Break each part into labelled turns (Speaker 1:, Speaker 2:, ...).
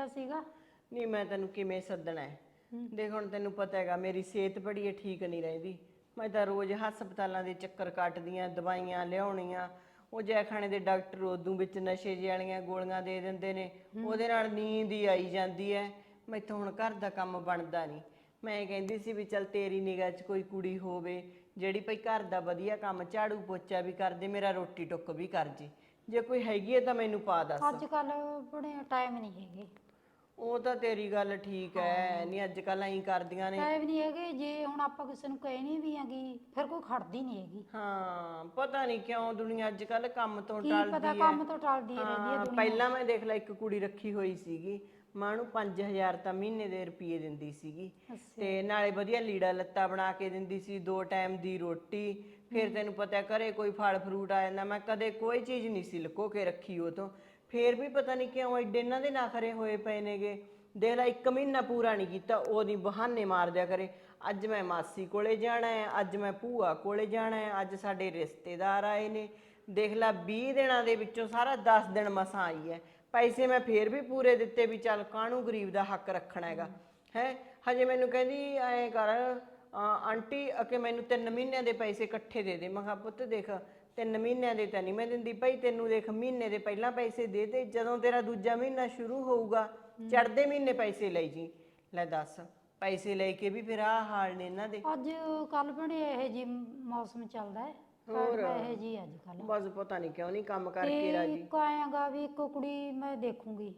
Speaker 1: ਸੱਦਿਆ ਸੀਗਾ?
Speaker 2: ਨਹੀਂ ਮੈਂ ਤੈਨੂੰ ਕਿਵੇਂ ਸੱਦਣਾ ਹੈ? ਦੇਖ ਹੁਣ ਤੈਨੂੰ ਪਤਾ ਹੈਗਾ ਮੇਰੀ ਸਿਹਤ ਬੜੀ ਠੀਕ ਨਹੀਂ ਰਹਿੰਦੀ। ਮੈਂ ਤਾਂ ਰੋਜ਼ ਹਸਪਤਾਲਾਂ ਦੇ ਚੱਕਰ ਕੱਟਦੀਆਂ, ਦਵਾਈਆਂ ਲਿਆਉਣੀਆਂ। ਉਹ ਜੈਖਾਨੇ ਦੇ ਡਾਕਟਰ ਉਦੋਂ ਵਿੱਚ ਨਸ਼ੇ ਜਿਹੇ ਵਾਲੀਆਂ ਗੋਲੀਆਂ ਦੇ ਦਿੰਦੇ ਨੇ, ਉਹਦੇ ਨਾਲ ਨੀਂਦ ਹੀ ਆਈ ਜਾਂਦੀ ਹੈ। ਮੈਥੋਂ ਹੁਣ ਘਰ ਦਾ ਕੰਮ ਬਣਦਾ ਨਹੀਂ। ਮੈਂ ਕਹਿੰਦੀ ਸੀ ਵੀ ਚੱਲ ਤੇਰੀ ਨਿਗਾਹ 'ਚ ਕੋਈ ਕੁੜੀ ਹੋਵੇ ਜਿਹੜੀ ਭਈ ਘਰ ਦਾ ਵਧੀਆ ਕੰਮ ਝਾੜੂ ਪੋਚਾ ਵੀ ਕਰਦੇ, ਮੇਰਾ ਰੋਟੀ ਟੁੱਕ ਵੀ ਕਰ ਜੇ ਕੋਈ ਹੈਗੀ ਹੈ ਤਾਂ ਮੈਨੂੰ ਪਾ ਦੱਸ।
Speaker 1: ਅੱਜ ਕੱਲ ਬੜੇ ਟਾਈਮ ਨਹੀਂ ਹੈਗੇ।
Speaker 2: ਉਹ ਤਾਂ ਤੇਰੀ ਗੱਲ ਠੀਕ ਹੈ, ਨਹੀਂ ਅੱਜ ਕੱਲ ਐਂ ਕਰਦੀਆਂ ਨੇ।
Speaker 1: ਟਾਈਮ ਨਹੀਂ ਹੈਗੇ, ਜੇ ਹੁਣ ਆਪਾਂ ਕਿਸੇ ਨੂੰ ਕਹਿਣੀ ਵੀ ਹੈਗੀ ਫਿਰ ਕੋਈ ਖੜਦੀ ਨਹੀਂ ਹੈਗੀ।
Speaker 2: ਹਾਂ ਪਤਾ ਨਹੀਂ ਕਿਉਂ ਦੁਨੀਆ ਅੱਜ ਕੱਲ ਕੰਮ ਤੋਂ
Speaker 1: ਕੀ
Speaker 2: ਟਲਦੀ
Speaker 1: ਪਤਾ
Speaker 2: ਹੈ।
Speaker 1: ਕੰਮ ਤੋਂ ਟਲਦੀ ਰਹਿੰਦੀ ਹੈ ਦੁਨੀਆ।
Speaker 2: ਪਹਿਲਾਂ ਮੈਂ ਦੇਖ ਲੈ ਇੱਕ ਕੁੜੀ ਰੱਖੀ ਹੋਈ ਸੀਗੀ, ਮੈਂ ਉਹਨੂੰ 5000 ਤਾਂ ਮਹੀਨੇ ਦੇ ਰੁਪਏ ਦਿੰਦੀ ਸੀਗੀ, ਤੇ ਨਾਲੇ ਵਧੀਆ ਲੀੜਾ ਲੱਤਾ ਬਣਾ ਕੇ ਦਿੰਦੀ ਸੀ, 2 ਟਾਈਮ ਦੀ ਰੋਟੀ। ਫਿਰ ਤੈਨੂੰ ਪਤਾ ਘਰੇ ਕੋਈ ਫਲ ਫਰੂਟ ਆ ਜਾਂਦਾ, ਮੈਂ ਕਦੇ ਕੋਈ ਚੀਜ਼ ਨਹੀਂ ਸੀ ਲੁਕੋ ਕੇ ਰੱਖੀ ਉਹ ਤੋਂ। ਫੇਰ ਵੀ ਪਤਾ ਨਹੀਂ ਕਿਉਂ ਐਡੇ ਇਹਨਾਂ ਦੇ ਨਖਰੇ ਹੋਏ ਪਏ ਨੇਗੇ। ਦੇਖ ਲੈ 1 ਮਹੀਨਾ ਪੂਰਾ ਨਹੀਂ ਕੀਤਾ, ਉਹਦੀ ਬਹਾਨੇ ਮਾਰ ਦਿਆ ਕਰੇ। ਅੱਜ ਮੈਂ ਮਾਸੀ ਕੋਲੇ ਜਾਣਾ ਹੈ, ਅੱਜ ਮੈਂ ਭੂਆ ਕੋਲੇ ਜਾਣਾ ਹੈ, ਅੱਜ ਸਾਡੇ ਰਿਸ਼ਤੇਦਾਰ ਆਏ ਨੇ। ਦੇਖ ਲੈ 20 ਦਿਨਾਂ ਦੇ ਵਿੱਚੋਂ ਸਾਰਾ 10 ਦਿਨ ਮਸਾਂ ਆਈ ਹੈ। ਪੈਸੇ ਮੈਂ ਫੇਰ ਵੀ ਪੂਰੇ ਦਿੱਤੇ ਵੀ ਚੱਲ ਕਾਹਨੂੰ ਗਰੀਬ ਦਾ ਹੱਕ ਰੱਖਣਾ ਹੈਗਾ ਹੈ। ਹਜੇ ਮੈਨੂੰ ਕਹਿੰਦੀ ਐਂ ਕਰ ਆਂਟੀ ਕਿ ਮੈਨੂੰ 3 ਮਹੀਨਿਆਂ ਦੇ ਪੈਸੇ ਇਕੱਠੇ ਦੇ ਦੇ। ਮੈਂ ਕਿਹਾ ਪੁੱਤ ਦੇਖ 3 ਮਹੀਨਿਆਂ ਦੇ ਤਾਂ ਨਹੀਂ ਮੈਂ ਦਿੰਦੀ ਭਾਈ, ਤੈਨੂੰ ਦੇਖ ਮਹੀਨੇ ਦੇ ਪਹਿਲਾਂ ਪੈਸੇ ਦੇ ਦੇ, ਜਦੋਂ ਤੇਰਾ ਦੂਜਾ ਮਹੀਨਾ ਸ਼ੁਰੂ ਹੋਊਗਾ ਚੜ੍ਹਦੇ ਮਹੀਨੇ ਪੈਸੇ ਲਈ ਜੀ। ਲੈ ਦੱਸ, ਪੈਸੇ ਲੈ ਕੇ ਵੀ ਫਿਰ ਆਹ ਹਾਲ ਨੇ ਇਹਨਾਂ ਦੇ।
Speaker 1: ਅੱਜ ਕੱਲ ਬੜੇ ਇਹੋ ਜਿਹੇ ਮੌਸਮ ਚੱਲਦਾ ਹੈ, ਹੋਰ ਇਹੋ ਜਿਹੀ ਅੱਜ ਕੱਲ।
Speaker 2: ਬਸ ਪਤਾ ਨਹੀਂ ਕਿਉਂ ਨਹੀਂ ਕੰਮ ਕਰਕੇ
Speaker 1: ਤੇ
Speaker 2: ਰਾਜੀ।
Speaker 1: ਇੱਕ ਆਏਗਾ ਵੀ ਇੱਕ ਕੁੜੀ ਮੈਂ ਦੇਖੂੰਗੀ